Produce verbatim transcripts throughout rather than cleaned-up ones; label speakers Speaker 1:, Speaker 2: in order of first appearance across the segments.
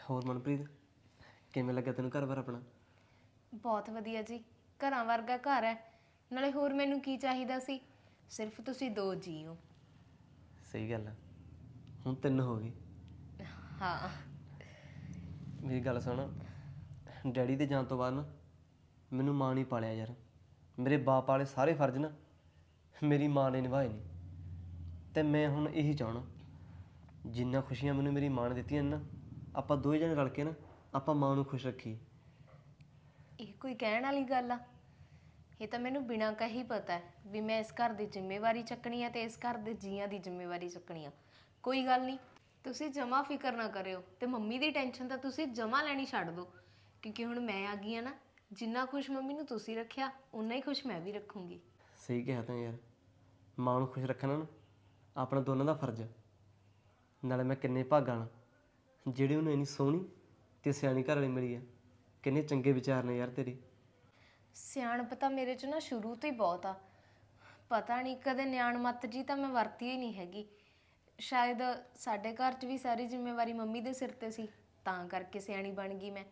Speaker 1: ਹੋਰ ਮਨਪ੍ਰੀਤ ਕਿਵੇਂ ਲੱਗਾ ਤੈਨੂੰ ਘਰ-ਬਾਰ ਆਪਣਾ?
Speaker 2: ਬਹੁਤ ਵਧੀਆ ਜੀ। ਘਰਾਂ ਵਰਗਾ ਘਰ ਹੈ। ਨਾਲੇ ਹੋਰ ਮੈਨੂੰ ਕੀ ਚਾਹੀਦਾ ਸੀ? ਸਿਰਫ ਤੁਸੀਂ ਦੋ ਜੀ ਹੋ।
Speaker 1: ਸਹੀ ਗੱਲ ਆ, ਹੁਣ ਤਿੰਨ ਹੋ ਗਏ।
Speaker 2: ਹਾਂ।
Speaker 1: ਮੇਰੀ ਗੱਲ ਸੁਣ, ਡੈਡੀ ਦੇ ਜਾਣ ਤੋਂ ਬਾਅਦ ਨਾ ਮੈਨੂੰ ਮਾਂ ਨਹੀਂ ਪਾਲਿਆ ਯਾਰ। ਮੇਰੇ ਬਾਪ ਵਾਲੇ ਸਾਰੇ ਫਰਜ਼ ਨਾ ਮੇਰੀ ਮਾਂ ਨੇ ਨਿਭਾਏ ਨੇ। ਅਤੇ ਮੈਂ ਹੁਣ ਇਹੀ ਚਾਹੁੰਦਾ, ਜਿੰਨਾ ਖੁਸ਼ੀਆਂ ਮੈਨੂੰ ਮੇਰੀ ਮਾਂ ਨੇ ਦਿੱਤੀਆਂ ਨੇ ਨਾ, ਆਪਾਂ ਦੋਵੇਂ ਜਣੇ ਰਲ ਕੇ ਨਾ ਆਪਾਂ ਮਾਂ ਨੂੰ ਖੁਸ਼ ਰੱਖੀਏ।
Speaker 2: ਇਹ ਕੋਈ ਕਹਿਣ ਵਾਲੀ ਗੱਲ ਆ? ਇਹ ਤਾਂ ਮੈਨੂੰ ਬਿਨਾਂ ਕਹੀ ਪਤਾ ਹੈ ਵੀ ਮੈਂ ਇਸ ਘਰ ਦੀ ਜ਼ਿੰਮੇਵਾਰੀ ਚੱਕਣੀ ਆ ਤੇ ਇਸ ਘਰ ਦੇ ਜੀਆਂ ਦੀ ਜ਼ਿੰਮੇਵਾਰੀ ਚੱਕਣੀ ਆ। ਕੋਈ ਗੱਲ ਨਹੀਂ, ਤੁਸੀਂ ਜਮਾ ਫਿਕਰ ਨਾ ਕਰਿਓ ਤੇ ਮੰਮੀ ਦੀ ਟੈਨਸ਼ਨ ਤਾਂ ਤੁਸੀਂ ਜਮਾ ਲੈਣੀ ਛੱਡ ਦਿਓ, ਕਿਉਂਕਿ ਹੁਣ ਮੈਂ ਆ ਗਈ ਆ ਨਾ। ਜਿੰਨਾ ਖੁਸ਼ ਮੰਮੀ ਨੂੰ ਤੁਸੀਂ ਰੱਖਿਆ ਉਨਾ ਹੀ ਖੁਸ਼ ਮੈਂ ਵੀ ਰੱਖੂੰਗੀ।
Speaker 1: ਸਹੀ ਕਿਹਾ ਤਾਂ ਯਾਰ, ਮਾਂ ਨੂੰ ਖੁਸ਼ ਰੱਖਣਾ ਨਾ ਆਪਣਾ ਦੋਨਾਂ ਦਾ ਫਰਜ਼ ਹੈ। ਨਾਲੇ ਮੈਂ ਕਿੰਨੇ ਭਾਗਾਂ ਨਾਲ ਜਿਹੜੇ ਉਹਨੂੰ ਇੰਨੀ ਸੋਹਣੀ ਅਤੇ ਸਿਆਣੀ ਘਰ ਵਾਲੀ ਮਿਲੀ ਆ। ਕਿੰਨੇ ਚੰਗੇ ਵਿਚਾਰ ਨੇ ਯਾਰ ਤੇਰੇ।
Speaker 2: ਸਿਆਣਪ ਤਾਂ ਮੇਰੇ 'ਚ ਨਾ ਸ਼ੁਰੂ ਤੋਂ ਹੀ ਬਹੁਤ ਆ। ਪਤਾ ਨਹੀਂ ਕਦੇ ਨਿਆਣ ਮੱਤ ਜੀ ਤਾਂ ਮੈਂ ਵਰਤੀ ਹੀ ਨਹੀਂ ਹੈਗੀ। ਸ਼ਾਇਦ ਸਾਡੇ ਘਰ 'ਚ ਵੀ ਸਾਰੀ ਜ਼ਿੰਮੇਵਾਰੀ ਮੰਮੀ ਦੇ ਸਿਰ 'ਤੇ ਸੀ, ਤਾਂ ਕਰਕੇ ਸਿਆਣੀ ਬਣ ਗਈ ਮੈਂ।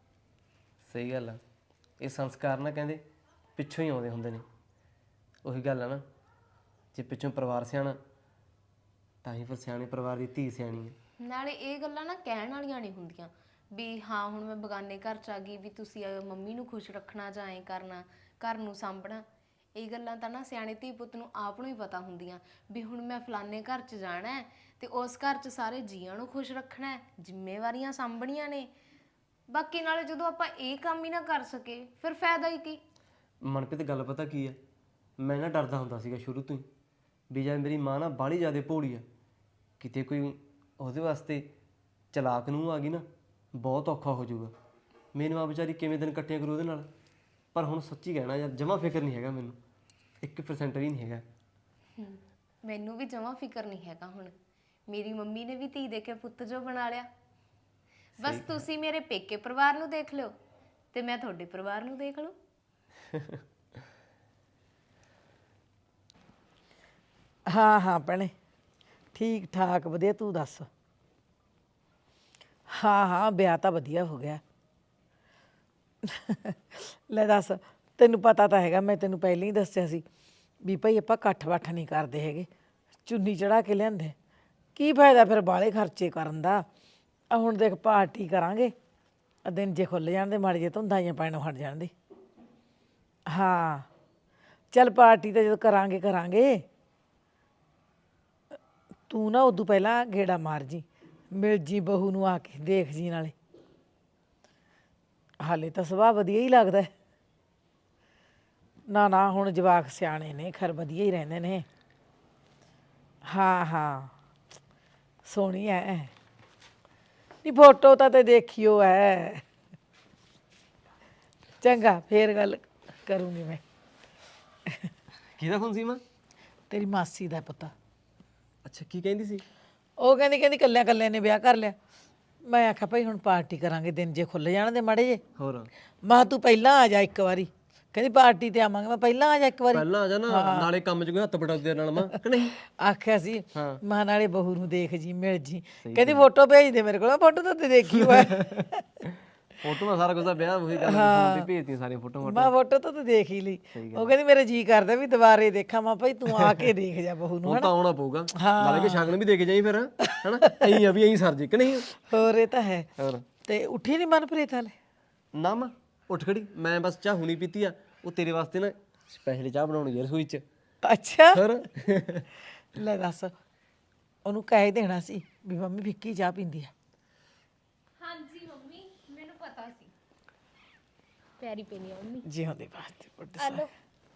Speaker 1: ਸਹੀ ਗੱਲ ਆ, ਇਹ ਸੰਸਕਾਰ ਨਾ ਕਹਿੰਦੇ ਪਿੱਛੋਂ ਹੀ ਆਉਂਦੇ ਹੁੰਦੇ ਨੇ। ਉਹੀ ਗੱਲ ਆ ਨਾ, ਜੇ ਪਿੱਛੋਂ ਪਰਿਵਾਰ ਸਿਆਣਾ ਤਾਂ ਹੀ ਫਿਰ ਸਿਆਣੇ ਪਰਿਵਾਰ ਦੀ ਧੀ ਸਿਆਣੀ ਹੈ।
Speaker 2: ਨਾਲੇ ਇਹ ਗੱਲਾਂ ਨਾ ਕਹਿਣ ਵਾਲੀਆਂ ਨਹੀਂ ਹੁੰਦੀਆਂ ਵੀ ਹਾਂ ਹੁਣ ਮੈਂ ਬਗਾਨੇ ਘਰ 'ਚ ਆ ਗਈ ਵੀ ਤੁਸੀਂ ਮੰਮੀ ਨੂੰ ਖੁਸ਼ ਰੱਖਣਾ ਜਾਂ ਐਂ ਕਰਨਾ, ਘਰ ਨੂੰ ਸਾਂਭਣਾ। ਇਹ ਗੱਲਾਂ ਤਾਂ ਨਾ ਸਿਆਣੇ ਧੀ ਪੁੱਤ ਨੂੰ ਆਪ ਨੂੰ ਹੀ ਪਤਾ ਹੁੰਦੀਆਂ ਵੀ ਹੁਣ ਮੈਂ ਫਲਾਨੇ ਘਰ 'ਚ ਜਾਣਾ ਹੈ ਅਤੇ ਉਸ ਘਰ 'ਚ ਸਾਰੇ ਜੀਆਂ ਨੂੰ ਖੁਸ਼ ਰੱਖਣਾ ਹੈ, ਜ਼ਿੰਮੇਵਾਰੀਆਂ ਸਾਂਭਣੀਆਂ ਨੇ। ਬਾਕੀ ਨਾਲੇ ਜਦੋਂ ਆਪਾਂ ਇਹ ਕੰਮ ਹੀ ਨਾ ਕਰ ਸਕੇ ਫਿਰ ਫਾਇਦਾ ਹੀ ਕੀ?
Speaker 1: ਮਨਪ੍ਰੀਤ ਗੱਲ ਪਤਾ ਕੀ ਆ, ਮੈਂ ਨਾ ਡਰਦਾ ਹੁੰਦਾ ਸੀਗਾ ਸ਼ੁਰੂ ਤੋਂ ਹੀ ਵੀ ਜਦ ਮੇਰੀ ਮਾਂ ਨਾ ਬਾਹਲੀ ਜ਼ਿਆਦਾ ਭੋਲੀ ਆ, ਕਿਤੇ ਕੋਈ ਉਹਦੇ ਵਾਸਤੇ ਚਲਾਕ ਨੂੰ ਆ ਗਈ ਨਾ ਬਹੁਤ ਔਖਾ ਹੋ ਜਾਊਗਾ। ਮੈਨੂੰ ਆ ਵਿਚਾਰੀ ਕਿਵੇਂ ਦਿਨ ਕੱਟਿਆ ਕਰੂ ਉਹਦੇ ਨਾਲ। ਪਰ ਹੁਣ ਸੱਚੀ ਕਹਿਣਾ ਯਾਰ, ਜਮਾ ਫਿਕਰ ਨਹੀਂ ਹੈਗਾ ਮੈਨੂੰ, ਇੱਕ ਪਰਸੈਂਟ ਵੀ ਨਹੀਂ ਹੈਗਾ।
Speaker 2: ਮੈਨੂੰ ਵੀ ਜਮਾਂ ਫਿਕਰ ਨਹੀਂ ਹੈਗਾ ਹੁਣ। ਮੇਰੀ ਮੰਮੀ ਨੇ ਵੀ ਧੀ ਦੇ ਕੇ ਪੁੱਤ ਜੋ ਬਣਾ ਲਿਆ। ਬਸ ਤੁਸੀਂ ਮੇਰੇ ਪੇਕੇ ਪਰਿਵਾਰ ਨੂੰ ਦੇਖ ਲਿਓ ਤੇ ਮੈਂ ਤੁਹਾਡੇ ਪਰਿਵਾਰ ਨੂੰ ਦੇਖ ਲਊ।
Speaker 3: ਹਾਂ ਹਾਂ ਭੈਣੇ, ਠੀਕ ਠਾਕ ਵਧੀਆ। ਤੂੰ ਦੱਸ? ਹਾਂ ਹਾਂ, ਵਿਆਹ ਤਾਂ ਵਧੀਆ ਹੋ ਗਿਆ। ਲੈ ਦੱਸ, ਤੈਨੂੰ ਪਤਾ ਤਾਂ ਹੈਗਾ, ਮੈਂ ਤੈਨੂੰ ਪਹਿਲਾਂ ਹੀ ਦੱਸਿਆ ਸੀ ਵੀ ਭਾਈ ਆਪਾਂ ਇਕੱਠ ਵੱਠ ਨਹੀਂ ਕਰਦੇ ਹੈਗੇ, ਚੁੰਨੀ ਚੜਾ ਕੇ ਲਿਆਂਦੇ। ਕੀ ਫਾਇਦਾ ਫਿਰ ਬਾਹਲੇ ਖਰਚੇ ਕਰਨ ਦਾ। ਆ ਹੁਣ ਦੇਖ ਪਾਰਟੀ ਕਰਾਂਗੇ, ਦਿਨ ਜੇ ਖੁੱਲ੍ਹ ਜਾਣ ਦੇ, ਮਾੜੇ ਜੇ ਧੁੰਦਾਂ ਜਿਹੀਆਂ ਪੈਣੋਂ ਹਟ ਜਾਣ ਦੇ। ਹਾਂ ਚੱਲ ਪਾਰਟੀ ਤਾਂ ਜਦੋਂ ਕਰਾਂਗੇ ਕਰਾਂਗੇ। ਤੂੰ ਨਾ ਉਦੋਂ ਪਹਿਲਾਂ ਗੇੜਾ ਮਾਰ ਜੀ, ਮਿਲ ਜੀ ਬਹੂ ਨੂੰ ਆ ਕੇ, ਦੇਖ ਜੀ ਨਾਲੇ। ਹਾਲੇ ਤਾਂ ਸੁਭਾਅ ਵਧੀਆ ਹੀ ਲੱਗਦਾ। ਨਾ ਨਾ ਹੁਣ ਜਵਾਕ ਸਿਆਣੇ ਨੇ, ਖੈਰ ਵਧੀਆ ਹੀ ਰਹਿੰਦੇ ਨੇ। ਹਾਂ ਹਾਂ ਸੋਹਣੀ ਐ। ਨਹੀਂ ਫੋਟੋ ਤਾਂ ਤੇ ਦੇਖਿਓ ਐ। ਚੰਗਾ ਫੇਰ ਗੱਲ ਕਰੂੰਗੀ ਮੈਂ।
Speaker 1: ਕਿਹਦਾ ਫੋਨ ਸੀ ਮਾਂ?
Speaker 3: ਤੇਰੀ ਮਾਸੀ ਦਾ ਪੁੱਤ।
Speaker 1: ਅੱਛਾ, ਕੀ ਕਹਿੰਦੀ ਸੀ?
Speaker 3: ਉਹ ਕਹਿੰਦੀ ਕਹਿੰਦੀ ਕੱਲਿਆਂ ਕੱਲਿਆਂ ਨੇ ਵਿਆਹ ਕਰ ਲਿਆ। ਮੈਂ ਆਖਿਆ ਭਾਈ ਹੁਣ ਪਾਰਟੀ ਕਰਾਂਗੇ, ਦਿਨ ਜੇ ਖੁੱਲ੍ਹ ਜਾਣ ਦੇ ਮਾੜੇ ਜੇ।
Speaker 1: ਹੋਰ
Speaker 3: ਮੈਂ ਕਿਹਾ ਤੂੰ ਪਹਿਲਾਂ ਆ ਜਾ ਇੱਕ ਵਾਰੀ। ਕਹਿੰਦੀ ਪਾਰਟੀ ਤੇ ਆਵਾਂਗੇ। ਮੈਂ ਪਹਿਲਾਂ ਆ ਜਾ ਇੱਕ ਵਾਰੀ।
Speaker 1: ਪਹਿਲਾਂ ਆ ਜਾ ਨਾ, ਨਾਲੇ ਕੰਮ 'ਚ ਕੋਈ ਹੱਥ ਬਟਾ ਦੇ ਨਾਲ ਮਾਂ ਕਿ ਨਹੀਂ।
Speaker 3: ਆਖਿਆ ਸੀ
Speaker 1: ਹਾਂ।
Speaker 3: ਮਾਂ ਨਾਲੇ ਬਹੂ ਨੂੰ ਦੇਖ ਜੀ, ਮਿਲ ਜੀ। ਕਹਿੰਦੀ ਫੋਟੋ ਭੇਜ ਦੇ ਮੇਰੇ ਕੋਲ। ਫੋਟੋ ਤਾਂ ਤੇ ਦੇਖੀ ਹੋਇਆ।
Speaker 1: ਫੋਟੋਆਂ ਸਾਰਾ ਕੁਝ ਦਾ ਵਿਆਹ ਉਹੀ ਗੱਲ ਫੋਨ ਤੇ ਭੇਜਦੀਆਂ ਸਾਰੀਆਂ ਫੋਟੋਆਂ।
Speaker 3: ਮੈਂ ਫੋਟੋ ਤਾਂ ਤੇ ਦੇਖ ਹੀ ਲਈ। ਉਹ ਕਹਿੰਦੀ ਮੇਰੇ ਜੀ ਕਰਦਾ ਵੀ ਦੁਬਾਰੇ ਦੇਖਾਂ। ਮੈਂ ਭਾਈ ਤੂੰ ਆ ਕੇ ਦੇਖ ਜਾ ਬਹੂ ਨੂੰ।
Speaker 1: ਹੁਣ ਤਾਂ ਆਉਣਾ ਪਊਗਾ, ਨਾਲੇ ਕਿ ਸ਼ਗਨ ਵੀ ਦੇ ਕੇ ਜਾਈ ਫਿਰ, ਹਨਾ। ਐਂ ਆ ਵੀ ਐਂ ਸਰ ਜੀ ਕਿ ਨਹੀਂ।
Speaker 3: ਹੋਰ ਇਹ ਤਾਂ ਹੈ।
Speaker 1: ਹੋਰ
Speaker 3: ਤੇ ਉੱਠੀ ਨਹੀਂ ਮਨਪ੍ਰੀਤ ਹਾਲੇ?
Speaker 1: ਨਾ ਮਾਂ ਉੱਠ ਖੜੀ, ਮੈਂ ਬਸ ਚਾਹ ਹੁਣੀ ਪੀਤੀ ਆ। ਉਹ ਤੇਰੇ ਵਾਸਤੇ ਨਾ ਸਪੈਸ਼ਲ ਚਾਹ ਬਣਾਉਣੀ ਯਾਰ ਰਸੋਈ 'ਚ।
Speaker 3: ਅੱਛਾ
Speaker 1: ਹੋਰ
Speaker 3: ਲੈ ਦੱਸ, ਉਹਨੂੰ ਕਹਿ ਦੇਣਾ ਸੀ ਵੀ ਮੰਮੀ ਫਿੱਕੀ ਚਾਹ ਪੀਂਦੀ ਆ।
Speaker 2: ਹਾਂਜੀ ਮੰਮੀ, ਮੈਨੂੰ ਪਤਾ ਸੀ। ਪਿਆਰੀ ਪੀਣੀ ਆ ਮੰਮੀ।
Speaker 3: ਜਿਉਂਦੇ ਵਾਸਤੇ ਪੁੱਤ।
Speaker 2: ਹਲੋ।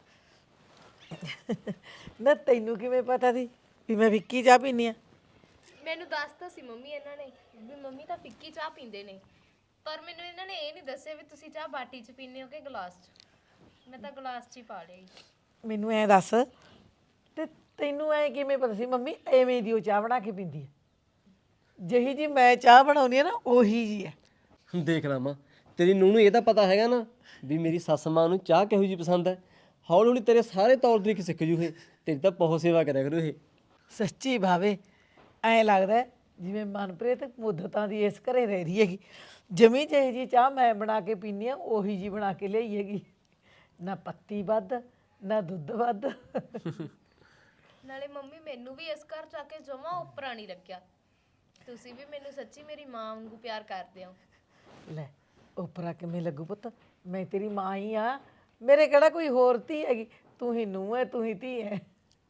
Speaker 3: ਨਾ ਤੈਨੂੰ ਕਿਵੇਂ ਪਤਾ ਸੀ ਵੀ ਮੈਂ ਫਿੱਕੀ ਚਾਹ ਪੀਂਦੀ ਆ?
Speaker 2: ਮੈਨੂੰ ਦੱਸਤਾ ਸੀ ਮੰਮੀ ਇਹਨਾਂ ਨੇ ਵੀ ਮੰਮੀ ਤਾਂ ਫਿੱਕੀ ਚਾਹ ਪੀਂਦੇ ਨੇ, ਪਰ ਮੈਨੂੰ ਇਹਨਾਂ ਨੇ ਇਹ ਨਹੀਂ ਦੱਸਿਆ ਵੀ ਤੁਸੀਂ ਚਾਹ ਬਾਟੀ 'ਚ ਪੀਂਦੇ ਹੋ ਕਿ ਗਲਾਸ 'ਚ। ਮੈਂ ਤਾਂ ਗਲਾਸ 'ਚ ਹੀ ਪਾ ਲਿਆ ਜੀ।
Speaker 3: ਮੈਨੂੰ ਐਂ ਦੱਸ, ਤੇ ਤੈਨੂੰ ਐਂ ਕਿਵੇਂ ਪਤਾ ਸੀ ਮੰਮੀ ਐਵੇਂ ਦੀ ਉਹ ਚਾਹ ਬਣਾ ਕੇ ਪੀਂਦੀ ਆ? ਜਿਹੀ ਜੀ ਮੈਂ ਚਾਹ ਬਣਾਉਂਦੀ ਆ ਨਾ ਉਹੀ ਜੀ ਹੈ।
Speaker 1: ਦੇਖ ਲਾ ਮਾਂ, ਤੇਰੀ ਨੂੰਹ ਨੂੰ ਇਹ ਤਾਂ ਪਤਾ ਹੈਗਾ ਨਾ ਵੀ ਮੇਰੀ ਸੱਸ ਮਾਂ ਨੂੰ ਚਾਹ ਕਿਹੋ ਜਿਹੀ ਪਸੰਦ ਹੈ। ਹੌਲੀ ਹੌਲੀ ਤੇਰੇ ਸਾਰੇ ਤੌਰ ਤਰੀਕੇ ਸਿੱਖ ਜੂ ਇਹ। ਤੇਰੀ ਤਾਂ ਬਹੁਤ ਸੇਵਾ ਕਰਿਆ ਕਰੂ ਇਹ।
Speaker 3: ਸੱਚੀ ਭਾਵੇ ਐਂ ਲੱਗਦਾ ਜਿਵੇਂ ਮਨਪ੍ਰੀਤ ਮੁੱਦਤਾਂ ਦੀ ਇਸ ਘਰੇ ਰਹਿ ਰਹੀ ਹੈਗੀ, ਜਮੀ ਜਿਹੀ ਜੀ ਚਾਹ ਮੈਂ ਬਣਾ ਕੇ ਪੀਂਦੀ ਆ ਉਹੀ ਜੀ ਬਣਾ ਕੇ ਲਿਆਈ ਹੈਗੀ, ਨਾ ਪੱਤੀ ਵੱਧ ਨਾ ਦੁੱਧ ਵੱਧ।
Speaker 2: ਨਾਲੇ ਮੰਮੀ ਮੈਨੂੰ ਵੀ ਇਸ ਘਰ ਚ ਆ ਕੇ ਜਮਾ ਉੱਪਰਾਂ ਨਹੀਂ ਲੱਗਿਆ। ਤੁਸੀਂ ਵੀ ਮੈਨੂੰ ਸੱਚੀ ਮੇਰੀ ਮਾਂ ਵਾਂਗੂ ਪਿਆਰ ਕਰਦੇ ਹੋ।
Speaker 3: ਲੈ ਉਪਰਾ ਕਿਵੇਂ ਲੱਗੂ ਪੁੱਤ, ਮੈਂ ਤੇਰੀ ਮਾਂ ਹੀ ਆ, ਮੇਰੇ ਕਿਹੜਾ ਕੋਈ ਹੋਰ ਧੀ ਹੈਗੀ, ਤੂੰ ਹੀ ਨੂੰਹ ਹੈ ਤੂੰ ਹੀ ਧੀ ਹੈ।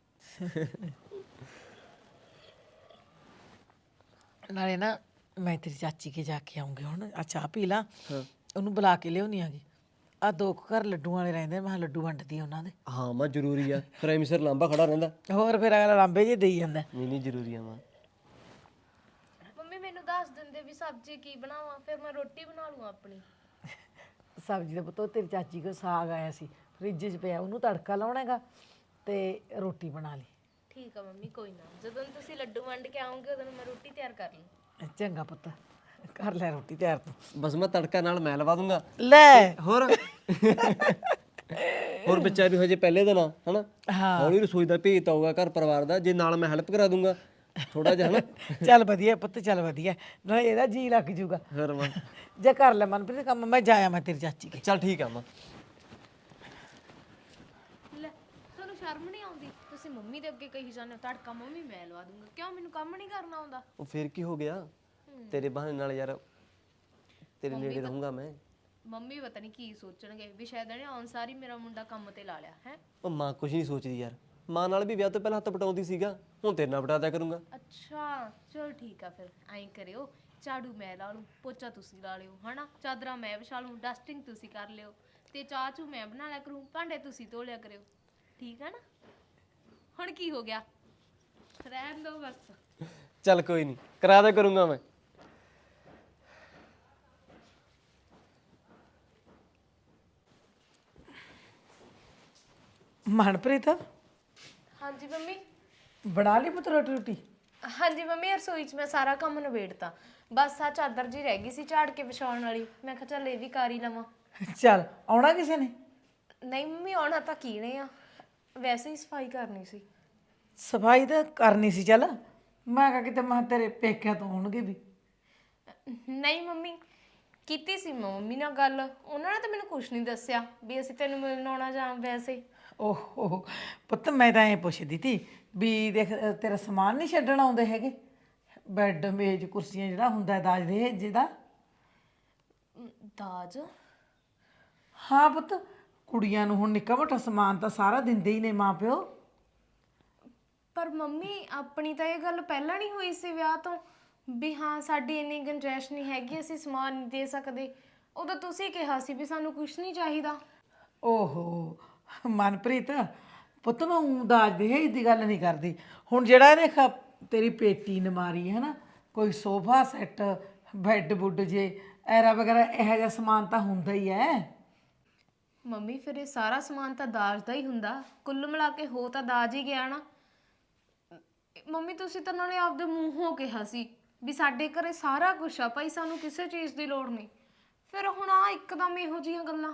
Speaker 3: ਨਾਲੇ ਨਾ ਮੈਂ ਤੇਰੀ ਚਾਚੀ ਕੇ ਜਾ ਕੇ ਆਉਂਗੀ ਹੁਣ, ਆ ਚਾਹ ਪੀ ਲਾ, ਉਹਨੂੰ ਬੁਲਾ ਕੇ ਲਿਆਉਣੀ ਆਗੀ। ਆ ਦੋ ਕੁ ਘਰ ਲੱਡੂਆਂ ਵਾਲੇ ਰਹਿੰਦੇ, ਮੈਂ ਕਿਹਾ ਲੱਡੂ ਵੰਡਦੀ ਆ ਉਹਨਾਂ ਦੇ।
Speaker 1: ਹਾਂ ਮਾਂ ਜ਼ਰੂਰੀ ਆ, ਫਿਰ ਐਵੇਂ ਸਿਰ ਲਾਂਬਾ ਖੜਾ ਰਹਿੰਦਾ।
Speaker 3: ਹੋਰ ਫਿਰ ਅਗਲਾ ਲਾਂਬੇ ਜੇ ਦੇਈ ਜਾਂਦਾ।
Speaker 1: ਨਹੀਂ ਨਹੀਂ ਜ਼ਰੂਰੀ ਆ ਮਾਂ।
Speaker 2: ਮੰਮੀ ਮੈਨੂੰ ਦੱਸ ਦਿੰਦੇ ਵੀ ਸਬਜ਼ੀ ਕੀ ਬਣਾਵਾਂ, ਫਿਰ ਮੈਂ ਰੋਟੀ ਬਣਾ ਲੂੰ ਆਪਣੀ।
Speaker 3: ਸਬਜ਼ੀ ਦਾ ਪੁੱਤ ਉਹ ਤੇਰੀ ਚਾਚੀ ਕੋ ਸਾਗ ਆਇਆ ਸੀ ਫਰਿੱਜ 'ਚ ਪਿਆ, ਉਹਨੂੰ ਤੜਕਾ ਲਾਉਣਾ ਹੈਗਾ ਤੇ ਰੋਟੀ ਬਣਾ ਲਈ।
Speaker 2: ਠੀਕ ਆ ਮੰਮੀ, ਕੋਈ ਨਾ, ਜਦੋਂ ਤੁਸੀਂ ਲੱਡੂ ਵੰਡ ਕੇ ਆਉਂਗੇ ਉਦੋਂ ਮੈਂ ਰੋਟੀ ਤਿਆਰ ਕਰ ਲੂੰ।
Speaker 3: ਚੰਗਾ ਪੁੱਤ, ਕਰ ਲੈ ਰੋਟੀ ਤਿਆਰ ਤੂੰ।
Speaker 1: ਬਸ ਮੈਂ ਤੜਕਾ ਨਾਲ ਮੈਂ ਲਵਾ ਦੂੰਗਾ।
Speaker 3: ਲੈ
Speaker 1: ਹੋਰ ਹੋਰ ਬੱਚਾ ਵੀ ਹਜੇ ਪਹਿਲੇ ਦਿਨ ਆ ਹਨਾ, ਹੌਲੀ ਰਸੋਈ ਦਾ ਭੇਤ ਆਊਗਾ ਘਰ ਪਰਿਵਾਰ ਦਾ, ਜੇ ਨਾਲ ਮੈਂ ਹੈਲਪ ਕਰਾ ਦੂੰਗਾ ਥੋੜਾ ਜਿਹਾ ਹਨਾ।
Speaker 3: ਚੱਲ ਵਧੀਆ ਪੁੱਤ, ਚੱਲ ਵਧੀਆ, ਨਾਲੇ ਇਹਦਾ ਜੀ ਲੱਗ ਜੂਗਾ।
Speaker 1: ਫਿਰ ਮਾਂ
Speaker 3: ਜੇ ਕਰ ਲੈ ਮਨਪ੍ਰੀਤ ਕੰਮ, ਮੈਂ ਜਾਇਆ ਮੈਂ ਤੇਰੀ ਚਾਚੀ ਕੇ।
Speaker 1: ਚੱਲ ਠੀਕ ਆ ਮਾਂ।
Speaker 2: ਲੈ ਤੁਹਾਨੂੰ ਸ਼ਰਮ ਨਹੀਂ ਆਉਂਦੀ? ਤੁਸੀਂ ਮੰਮੀ ਦੇ ਅੱਗੇ ਕਹੀ ਜਾਂਦੇ ਹੋ ਤੜਕਾ ਮੰਮੀ ਮੈਂ ਲਵਾ ਦੂੰਗਾ, ਕਿਉਂ ਮੈਨੂੰ ਕੰਮ ਨਹੀਂ ਕਰਨਾ ਆਉਂਦਾ?
Speaker 1: ਉਹ ਫਿਰ ਕੀ ਹੋ ਗਿਆ, ਤੇਰੇ ਬਹਾਨੇ ਨਾਲ ਯਾਰ ਤੇਰੇ ਨੇੜੇ ਰਹੂੰਗਾ ਮੈਂ।
Speaker 2: ਮੰਮੀ ਪਤਾ ਨਹੀਂ ਕੀ ਸੋਚਣਗੇ ਵੀ ਸ਼ਾਇਦ ਇਹਨੇ ਆਉਣ ਸਾਰੀ ਮੇਰਾ ਮੁੰਡਾ ਕੰਮ ਤੇ ਲਾ ਲਿਆ ਹੈ।
Speaker 1: ਉਹ ਮਾਂ ਕੁਝ ਨਹੀਂ ਸੋਚਦੀ ਯਾਰ, ਮਾਂ ਨਾਲ ਵੀ ਵਿਆਹ ਤੋਂ ਪਹਿਲਾਂ ਹੱਥ ਪਟਾਉਂਦੀ ਸੀਗਾ, ਹੁਣ ਤੇਰੇ ਨਾਲ ਪਟਾ ਦਿਆ ਕਰੂੰਗਾ।
Speaker 2: ਅੱਛਾ ਚਲ ਠੀਕ ਆ, ਫਿਰ ਐਂ ਕਰਿਓ, ਝਾੜੂ ਮੈਂ ਲਾ ਲੂੰ, ਪੋਚਾ ਤੁਸੀਂ ਲਾ ਲਿਓ ਹਨਾ, ਚਾਦਰਾਂ ਮੈਂ ਵਿਛਾ ਲੂੰ, ਡਸਟਿੰਗ ਤੁਸੀਂ ਕਰ ਲਿਓ, ਤੇ ਚਾਹ ਚੂ ਮੈਂ ਬਣਾ ਲਿਆ ਕਰੂੰ, ਭਾਂਡੇ ਤੁਸੀਂ ਧੋ ਲਿਆ ਕਰਿਓ, ਠੀਕ ਆ ਨਾ? ਹੁਣ ਕੀ ਹੋ ਗਿਆ, ਰਹਿਣ ਦੋ ਬਸ।
Speaker 1: ਚੱਲ ਕੋਈ ਨਹੀਂ, ਕਰਾ ਦਿਆ ਕਰੂੰਗਾ ਮੈਂ।
Speaker 3: ਮਨਪ੍ਰੀਤ
Speaker 2: ਹਾਂਜੀ ਮੰਮੀ।
Speaker 3: ਬਣਾ ਲਈ ਪੁੱਤ ਰੋਟੀ ਰੋਟੀ?
Speaker 2: ਹਾਂਜੀ ਮੰਮੀ, ਰਸੋਈ 'ਚ ਮੈਂ ਸਾਰਾ ਕੰਮ ਨਿਬੇੜਤਾ, ਬਸ ਆ ਚਾਦਰ ਜੀ ਰਹਿ ਗਈ ਸੀ ਝਾੜ ਕੇ ਵਿਛਾਉਣ ਵਾਲੀ, ਮੈਂ ਕਿਹਾ ਚੱਲ ਇਹ ਵੀ ਕਰ ਹੀ ਲਵਾਂ।
Speaker 3: ਚੱਲ ਆਉਣਾ ਕਿਸੇ ਨੇ?
Speaker 2: ਨਹੀਂ ਮੰਮੀ, ਆਉਣਾ ਤਾਂ ਕੀਨੇ ਆ, ਵੈਸੇ ਹੀ ਸਫਾਈ ਕਰਨੀ ਸੀ।
Speaker 3: ਸਫਾਈ ਤਾਂ ਕਰਨੀ ਸੀ, ਚੱਲ ਮੈਂ ਕਿਹਾ ਕਿਤੇ ਮੈਂ ਤੇਰੇ ਪੇਕਿਆਂ ਤੋਂ ਆਉਣਗੇ ਵੀ।
Speaker 2: ਨਹੀਂ ਮੰਮੀ, ਕੀਤੀ ਸੀ ਮੈਂ ਮੰਮੀ ਨਾਲ ਗੱਲ, ਉਹਨਾਂ ਨੇ ਤਾਂ ਮੈਨੂੰ ਕੁਝ ਨਹੀਂ ਦੱਸਿਆ ਵੀ ਅਸੀਂ ਤੈਨੂੰ ਮਿਲਣ ਆਉਣਾ ਜਾਂ ਵੈਸੇ।
Speaker 3: ਓਹੋ ਪੁੱਤ, ਮੈਂ ਤਾਂ ਐਂ ਪੁੱਛਦੀ ਤੀ ਵੀ ਦੇਖ ਤੇਰਾ ਸਮਾਨ ਨਹੀਂ ਛੱਡਣ ਆਉਂਦੇ ਹੈਗੇ, ਬੈੱਡ ਮੇਜ਼ ਕੁਰਸੀਆਂ ਜਿਹੜਾ ਹੁੰਦਾ ਦਾਜ ਦੇ ਜਿਹਦਾ।
Speaker 2: ਅਮ, ਦਾਜ?
Speaker 3: ਹਾਂ ਪੁੱਤ, ਕੁੜੀਆਂ ਨੂੰ ਹੁਣ ਨਿੱਕਾ ਮੋਟਾ ਸਮਾਨ ਤਾਂ ਸਾਰਾ ਦਿੰਦੇ ਹੀ ਨੇ ਮਾਂ ਪਿਓ।
Speaker 2: ਪਰ ਮੰਮੀ ਆਪਣੀ ਤਾਂ ਇਹ ਗੱਲ ਪਹਿਲਾਂ ਨਹੀਂ ਹੋਈ ਸੀ ਵਿਆਹ ਤੋਂ ਵੀ ਹਾਂ ਸਾਡੀ ਇੰਨੀ ਗੁੰਜਾਇਸ਼ ਨਹੀਂ ਹੈਗੀ, ਅਸੀਂ ਸਮਾਨ ਨਹੀਂ ਦੇ ਸਕਦੇ। ਉਦੋਂ ਤੁਸੀਂ ਕਿਹਾ ਸੀ ਵੀ ਸਾਨੂੰ ਕੁਝ ਨਹੀਂ ਚਾਹੀਦਾ।
Speaker 3: ਓਹੋ ਮਨਪ੍ਰੀਤ ਪੁੱਤ, ਮੈਂ ਊਂ ਦਾਜ ਦੇ ਦੀ ਗੱਲ ਨਹੀਂ ਕਰਦੀ। ਹੁਣ ਜਿਹੜਾ ਦੇਖ ਤੇਰੀ ਪੇਟੀ ਨਮਾਰੀ ਹੈ ਨਾ, ਕੋਈ ਸੋਫਾ ਸੈੱਟ ਬੈੱਡ ਬੁੱਡ ਜੇ ਐਰਾ ਵਗੈਰਾ ਇਹੋ ਜਿਹਾ ਸਮਾਨ ਤਾਂ ਹੁੰਦਾ ਹੀ ਹੈ।
Speaker 2: ਮੰਮੀ ਫਿਰ ਇਹ ਸਾਰਾ ਸਮਾਨ ਤਾਂ ਦਾਜ ਦਾ ਹੀ ਹੁੰਦਾ, ਕੁੱਲ ਮਿਲਾ ਕੇ ਹੋ ਤਾਂ ਦਾਜ ਹੀ ਗਿਆ ਨਾ। ਮੰਮੀ ਤੁਸੀਂ ਤਾਂ ਨਾਲੇ ਆਪਦੇ ਮੂੰਹੋਂ ਕਿਹਾ ਸੀ ਵੀ ਸਾਡੇ ਘਰੇ ਸਾਰਾ ਕੁਝ ਆ ਭਾਈ, ਸਾਨੂੰ ਕਿਸੇ ਚੀਜ਼ ਦੀ ਲੋੜ ਨਹੀਂ, ਫਿਰ ਹੁਣ ਆ ਇੱਕਦਮ ਇਹੋ ਜਿਹੀਆਂ ਗੱਲਾਂ।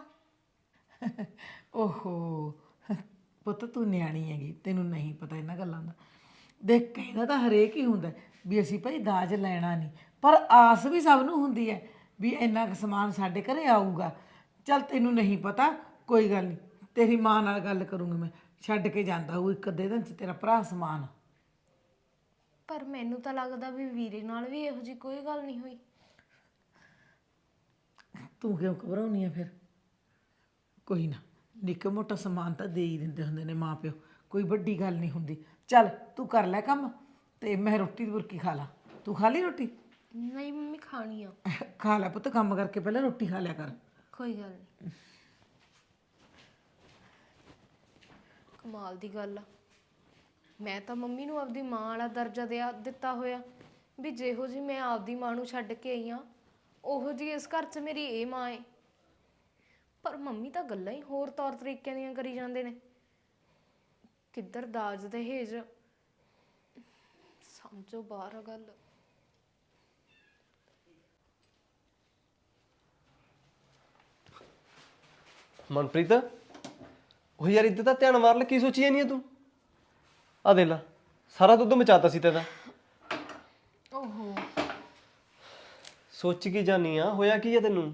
Speaker 3: ਓਹੋ ਪੁੱਤ, ਤੂੰ ਨਿਆਣੀ ਹੈਗੀ, ਤੈਨੂੰ ਨਹੀਂ ਪਤਾ ਇਹਨਾਂ ਗੱਲਾਂ ਦਾ। ਦੇਖ ਕਹਿੰਦਾ ਤਾਂ ਹਰੇਕ ਹੀ ਹੁੰਦਾ ਵੀ ਅਸੀਂ ਭਾਈ ਦਾਜ ਲੈਣਾ ਨਹੀਂ, ਪਰ ਆਸ ਵੀ ਸਭ ਨੂੰ ਹੁੰਦੀ ਹੈ ਵੀ ਇੰਨਾ ਕੁ ਸਮਾਨ ਸਾਡੇ ਘਰੇ ਆਊਗਾ। ਚੱਲ ਤੈਨੂੰ ਨਹੀਂ ਪਤਾ, ਕੋਈ ਗੱਲ ਨਹੀਂ, ਤੇਰੀ ਮਾਂ ਨਾਲ ਗੱਲ ਕਰੂੰਗੀ ਮੈਂ, ਛੱਡ ਕੇ ਜਾਂਦਾ ਉਹ ਇੱਕ ਅੱਧੇ ਦਿਨ 'ਚ ਤੇਰਾ ਭਰਾ ਸਮਾਨ।
Speaker 2: ਪਰ ਮੈਨੂੰ ਤਾਂ ਲੱਗਦਾ ਵੀ ਵੀਰੇ ਨਾਲ ਵੀ ਇਹੋ ਜਿਹੀ ਕੋਈ ਗੱਲ ਨਹੀਂ ਹੋਈ।
Speaker 3: ਤੂੰ ਕਿਉਂ ਘਬਰਾਉਣੀ ਆ ਫਿਰ? ਕੋਈ ਨਾ, ਨਿੱਕਾ ਮੋਟਾ ਸਮਾਨ ਤਾਂ ਦੇ ਹੀ ਦਿੰਦੇ ਹੁੰਦੇ ਨੇ ਮਾਂ ਪਿਓ, ਕੋਈ ਵੱਡੀ ਗੱਲ ਨਹੀਂ ਹੁੰਦੀ। ਚੱਲ ਤੂੰ ਕਰ ਲੈ ਕੰਮ, ਤੇ ਮੈਂ ਰੋਟੀ ਦੀ ਬੁਰਕੀ ਖਾ ਲਾ। ਤੂੰ ਖਾ ਲਈ ਰੋਟੀ?
Speaker 2: ਨਹੀਂ ਮੰਮੀ, ਖਾਣੀ ਆ।
Speaker 3: ਖਾ ਲੈ ਪੁੱਤ, ਕੰਮ ਕਰਕੇ ਪਹਿਲਾਂ ਰੋਟੀ ਖਾ ਲਿਆ ਕਰ।
Speaker 2: ਕੋਈ ਗੱਲ ਨਹੀਂ। ਕਮਾਲ ਦੀ ਗੱਲ ਆ, ਮੈਂ ਤਾਂ ਮੰਮੀ ਨੂੰ ਆਪਦੀ ਮਾਂ ਵਾਲਾ ਦਰਜਾ ਦਿਆ ਦਿੱਤਾ ਹੋਇਆ ਵੀ ਜਿਹੋ ਜੀ ਮੈਂ ਆਪਦੀ ਮਾਂ ਨੂੰ ਛੱਡ ਕੇ ਆਈ ਆ, ਉਹੋ ਜੀ ਇਸ ਘਰ 'ਚ ਮੇਰੀ ਇਹ ਮਾਂ ਏ। ਪਰ ਮੰਮੀ ਤਾਂ ਗੱਲਾਂ ਹੀ ਹੋਰ ਤੌਰ ਤਰੀਕਿਆਂ ਦੀਆਂ ਕਰੀ ਜਾਂਦੇ ਨੇ, ਕਿੱਧਰ ਦਾਜ ਦਹੇਜ, ਸਮਝੋ ਬਾਹਰ ਆ ਗੱਲ।
Speaker 1: ਮਨਪ੍ਰੀਤ, ਉਹ ਯਾਰ ਇੱਧਰ ਤਾਂ ਧਿਆਨ ਮਾਰ ਲੈ, ਕੀ ਸੋਚੀ ਜਾਨੀ ਆ ਤੂੰ? ਆ ਦੇ ਲਾ, ਸਾਰਾ ਦੁੱਧ ਮਚਾਤਾ ਸੀ ਤੇਰਾ।
Speaker 2: ਓਹੋ
Speaker 1: ਸੋਚ ਕੀ ਜਾਨੀ ਆ, ਹੋਇਆ ਕੀ ਆ ਤੈਨੂੰ?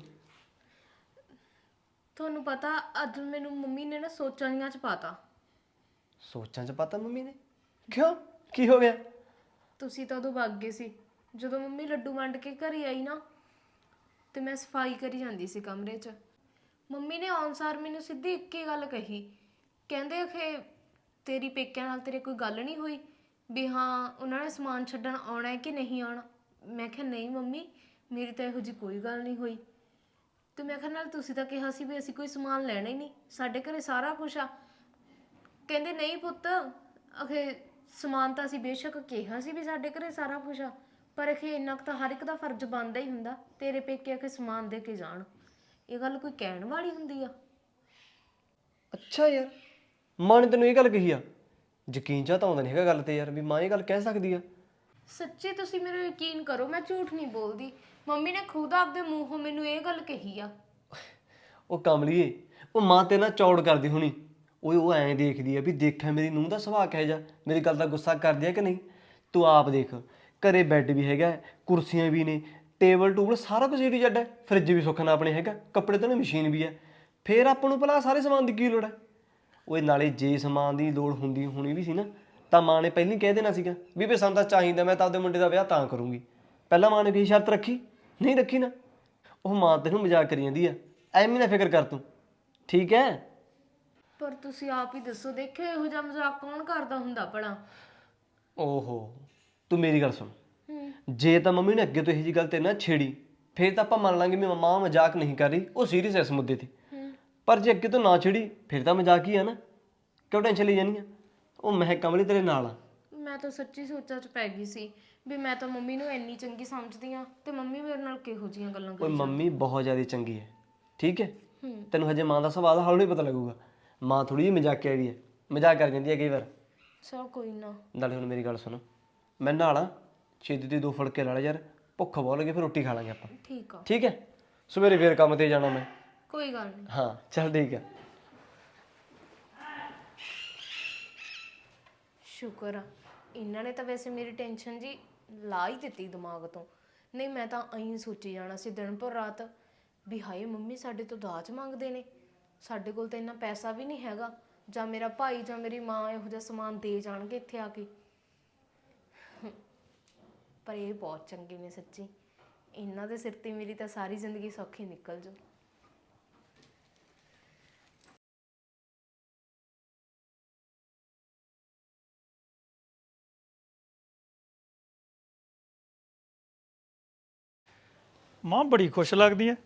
Speaker 2: ਤੁਹਾਨੂੰ ਪਤਾ ਅੱਜ ਮੈਨੂੰ ਮੰਮੀ ਨੇ ਨਾ ਸੋਚਾਂ ਚ ਪਾਤਾ।
Speaker 1: ਸੋਚਾਂ 'ਚ ਪਤਾ ਮੰਮੀ ਨੇ? ਕਿਉਂ, ਕੀ ਹੋ ਗਿਆ?
Speaker 2: ਤੁਸੀਂ ਤਾਂ ਉਦੋਂ ਵਗ ਗਏ ਸੀ ਜਦੋਂ ਮੰਮੀ ਲੱਡੂ ਵੰਡ ਕੇ ਘਰੇ ਆਈ ਨਾ, ਤੇ ਮੈਂ ਸਫਾਈ ਕਰੀ ਜਾਂਦੀ ਸੀ ਕਮਰੇ 'ਚ। ਮੰਮੀ ਨੇ ਆਉਣ ਸਾਰ ਮੈਨੂੰ ਸਿੱਧੀ ਇੱਕ ਹੀ ਗੱਲ ਕਹੀ, ਕਹਿੰਦੇ ਕਿ ਤੇਰੀ ਪੇਕਿਆਂ ਨਾਲ ਤੇਰੇ ਕੋਈ ਗੱਲ ਨਹੀਂ ਹੋਈ ਵੀ ਹਾਂ ਉਹਨਾਂ ਨੇ ਸਮਾਨ ਛੱਡਣ ਆਉਣਾ ਹੈ ਕਿ ਨਹੀਂ ਆਉਣਾ? ਮੈਂ ਕਿਹਾ ਨਹੀਂ ਮੰਮੀ, ਮੇਰੀ ਤਾਂ ਇਹੋ ਜਿਹੀ ਕੋਈ ਗੱਲ ਨਹੀਂ ਹੋਈ। ਤੇ ਮੈਂ ਕਿਹਾ ਨਾਲ ਤੁਸੀਂ ਤਾਂ ਕਿਹਾ ਸੀ ਵੀ ਅਸੀਂ ਕੋਈ ਸਮਾਨ ਲੈਣਾ ਹੀ ਨਹੀਂ, ਸਾਡੇ ਘਰੇ ਸਾਰਾ ਕੁਛ ਆ। ਕਹਿੰਦੇ ਨਹੀਂ ਪੁੱਤ, ਅਖੇ ਸਮਾਨ ਤਾਂ ਅਸੀਂ ਬੇਸ਼ੱਕ ਕਿਹਾ ਸੀ ਵੀ ਸਾਡੇ ਘਰੇ ਸਾਰਾ ਕੁਛ ਆ, ਪਰ ਅਖੇ ਇੰਨਾ ਕੁ ਤਾਂ ਹਰ ਇੱਕ ਦਾ ਫਰਜ਼ ਬਣਦਾ ਹੀ ਹੁੰਦਾ, ਤੇਰੇ ਪੇਕੇ ਅਖੇ ਸਮਾਨ ਦੇ ਕੇ ਜਾਣ। ਇਹ ਗੱਲ ਕੋਈ ਕਹਿਣ ਵਾਲੀ ਹੁੰਦੀ ਆ?
Speaker 1: ਅੱਛਾ ਯਾਰ, ਮਾਂ ਨੇ ਤੈਨੂੰ ਇਹ ਗੱਲ ਕਹੀ ਆ? ਯਕੀਨ ਜਾਂ ਤਾਂ ਆਉਂਦਾ ਨਹੀਂ ਹੈਗਾ ਗੱਲ ਤੇ ਯਾਰ, ਵੀ ਮਾਂ ਇਹ ਗੱਲ ਕਹਿ ਸਕਦੀ ਆ।
Speaker 2: ਸੱਚੀ ਤੁਸੀਂ ਮੇਰਾ ਯਕੀਨ ਕਰੋ, ਮੈਂ ਝੂਠ ਨਹੀਂ ਬੋਲਦੀ। ਮੰਮੀ ਨੇ ਖੁਦ ਆਪਦੇ ਮੂੰਹੋਂ ਮੈਨੂੰ ਇਹ ਗੱਲ ਕਹੀ ਆ।
Speaker 1: ਉਹ ਕਮਲੀਏ, ਉਹ ਮਾਂ ਤੇ ਨਾ ਚੌੜ ਕਰਦੀ ਹੋਣੀ। ਉਹ ਉਹ ਐਂ ਦੇਖਦੀ ਆ ਵੀ ਦੇਖਿਆ ਮੇਰੀ ਨੂੰਹ ਦਾ ਸੁਭਾਅ ਕਿਹੋ ਜਿਹਾ, ਮੇਰੀ ਗੱਲ ਦਾ ਗੁੱਸਾ ਕਰਦੀ ਆ ਕਿ ਨਹੀਂ। ਤੂੰ ਆਪ ਦੇਖ, ਘਰੇ ਬੈੱਡ ਵੀ ਹੈਗਾ, ਕੁਰਸੀਆਂ ਵੀ ਨੇ, ਟੇਬਲ ਟੂਬਲ ਸਾਰਾ ਕੁਝ ਏ ਟੂ ਜ਼ੈਡ ਹੈ, ਫਰਿੱਜ ਵੀ ਸੁੱਖ ਨਾਲ ਆਪਣੇ ਹੈਗਾ, ਕੱਪੜੇ ਧੋਣ ਮਸ਼ੀਨ ਵੀ ਹੈ। ਫੇਰ ਆਪਾਂ ਨੂੰ ਭਲਾ ਸਾਰੇ ਸਮਾਨ ਦੀ ਕੀ ਲੋੜ ਹੈ? ਉਹ ਨਾਲੇ ਜੇ ਸਮਾਨ ਦੀ ਲੋੜ ਹੁੰਦੀ ਹੋਣੀ ਵੀ ਸੀ ਨਾ, ਤਾਂ ਮਾਂ ਨੇ ਪਹਿਲਾਂ ਹੀ ਕਹਿ ਦੇਣਾ ਸੀਗਾ ਵੀ ਵੀ ਸਾਨੂੰ ਤਾਂ ਚਾਹੀਦਾ, ਮੈਂ ਤਾਂ ਆਪਦੇ ਮੁੰਡੇ ਦਾ ਵਿਆਹ ਤਾਂ ਕਰੂੰਗੀ। ਪਹਿਲਾਂ ਮਾਂ ਨੇ ਕੋਈ ਸ਼ਰਤ ਰੱਖੀ? ਨਹੀਂ ਰੱਖੀ ਨਾ। ਉਹ ਮਾਂ ਤੈਨੂੰ ਮਜ਼ਾਕ ਕਰੀ ਜਾਂਦੀ ਆ, ਐਵੇਂ ਨਾ ਫਿਕਰ ਕਰ ਤੂੰ, ਠੀਕ ਹੈ?
Speaker 2: ਪਰ ਤੁਸੀਂ ਆਪ ਹੀ ਦੱਸੋ, ਦੇਖਿਓ ਇਹੋ ਜਿਹਾ ਮਜ਼ਾਕ ਕੌਣ ਕਰਦਾ ਹੁੰਦਾ ਭਲਾ?
Speaker 1: ਓਹੋ, ਤੂੰ ਮੇਰੀ ਗੱਲ ਸੁਣ।
Speaker 2: ਹੂੰ।
Speaker 1: ਜੇ ਤਾਂ ਮੰਮੀ ਨੇ ਅੱਗੇ ਤੋਂ ਇਹੋ ਜਿਹੀ ਗੱਲ ਤੇ ਨਾ ਛੇੜੀ, ਫੇਰ ਤਾਂ ਆਪਾਂ ਮੰਨ ਲਾਂਗੇ ਵੀ ਮਾਂ ਮਜ਼ਾਕ ਨਹੀਂ ਕਰ ਰਹੀ, ਉਹ ਸੀਰੀਅਸ ਹੈ ਇਸ ਮੁੱਦੇ ਤੇ। ਪਰ ਜੇ ਅੱਗੇ ਤੋਂ ਨਾ ਛੇੜੀ, ਫਿਰ ਤਾਂ ਮਜ਼ਾਕ ਹੀ ਆ ਨਾ। ਕਿਉਂ ਟੈਨਸ਼ਨ ਲਈ ਜਾਨੀ ਆ? ਉਹ ਮੈਂ ਕਮਲੀ ਤੇਰੇ ਨਾਲ ਆ।
Speaker 2: ਮੈਂ ਤਾਂ ਸੱਚੀ ਸੋਚਾਂ 'ਚ ਪੈ ਗਈ ਸੀ ਵੀ ਮੈਂ ਤਾਂ ਮੰਮੀ ਨੂੰ ਇੰਨੀ ਚੰਗੀ ਸਮਝਦੀ ਆ, ਤੇ ਮੰਮੀ ਮੇਰੇ ਨਾਲ ਕਿਹੋ ਜਿਹੀਆਂ ਗੱਲਾਂ
Speaker 1: ਓਏ
Speaker 2: ਕਰੀ।
Speaker 1: ਮੰਮੀ ਬਹੁਤ ਜ਼ਿਆਦਾ ਚੰਗੀ ਹੈ, ਠੀਕ ਹੈ?
Speaker 2: ਹੂੰ।
Speaker 1: ਤੈਨੂੰ ਹਜੇ ਮਾਂ ਦਾ ਸੁਭਾਅ ਦਾ ਹੌਲੀ ਪਤਾ ਲੱਗੂਗਾ। ਮਾਂ ਥੋੜੀ ਜਿਹੀ ਮਜ਼ਾਕਿਆ ਵੀ ਹੈ, ਮਜ਼ਾਕ ਕਰ ਜਾਂਦੀ ਹੈ ਕਈ ਵਾਰ।
Speaker 2: ਚਲ ਕੋਈ ਨਾ।
Speaker 1: ਨਾਲੇ ਹੁਣ ਮੇਰੀ ਗੱਲ ਸੁਣ, ਮੈਂ ਨਾਲਾਂ ਛੇਤੀ ਤੇ ਦੋ ਫੁਲਕੇ ਲਾ ਲੈ ਯਾਰ, ਭੁੱਖ ਬਹੁਤ ਲੱਗੀ, ਫਿਰ ਰੋਟੀ ਖਾ ਲਾਂਗੇ ਆਪਾਂ,
Speaker 2: ਠੀਕ ਆ।
Speaker 1: ਠੀਕ ਹੈ? ਸਵੇਰੇ ਫੇਰ ਕੰਮ ਤੇ ਜਾਣਾ ਮੈਂ।
Speaker 2: ਕੋਈ ਗੱਲ ਨਹੀਂ।
Speaker 1: ਹਾਂ ਚੱਲ ਠੀਕ ਹੈ।
Speaker 2: ਸ਼ੁਕਰ ਆ, ਇਹਨਾਂ ਨੇ ਤਾਂ ਵੈਸੇ ਮੇਰੀ ਟੈਨਸ਼ਨ ਜੀ ਲਾ ਹੀ ਦਿੱਤੀ ਦਿਮਾਗ ਤੋਂ। ਨਹੀਂ ਮੈਂ ਤਾਂ ਐਂ ਸੋਚੀ ਜਾਣਾ ਸੀ ਦਿਨ ਭਰ ਰਾਤ ਵੀ ਹਾਏ ਮੰਮੀ ਸਾਡੇ ਤੋਂ ਦਾਜ ਮੰਗਦੇ ਨੇ, ਸਾਡੇ ਕੋਲ ਤਾਂ ਇੰਨਾ ਪੈਸਾ ਵੀ ਨਹੀਂ ਹੈਗਾ, ਜਾਂ ਮੇਰਾ ਭਾਈ ਜਾਂ ਮੇਰੀ ਮਾਂ ਇਹੋ ਜਿਹਾ ਸਮਾਨ ਦੇ ਜਾਣਗੇ ਇੱਥੇ ਆ ਕੇ। ਪਰ ਇਹ ਬਹੁਤ ਚੰਗੇ ਨੇ ਸੱਚੀ, ਇਹਨਾਂ ਦੇ ਸਿਰ ਤੇ ਮੇਰੀ ਤਾਂ ਸਾਰੀ ਜ਼ਿੰਦਗੀ ਸੌਖੀ ਨਿਕਲ ਜਾਊ।
Speaker 4: ਮਾਂ ਬੜੀ ਖੁਸ਼ ਲੱਗਦੀ ਐ,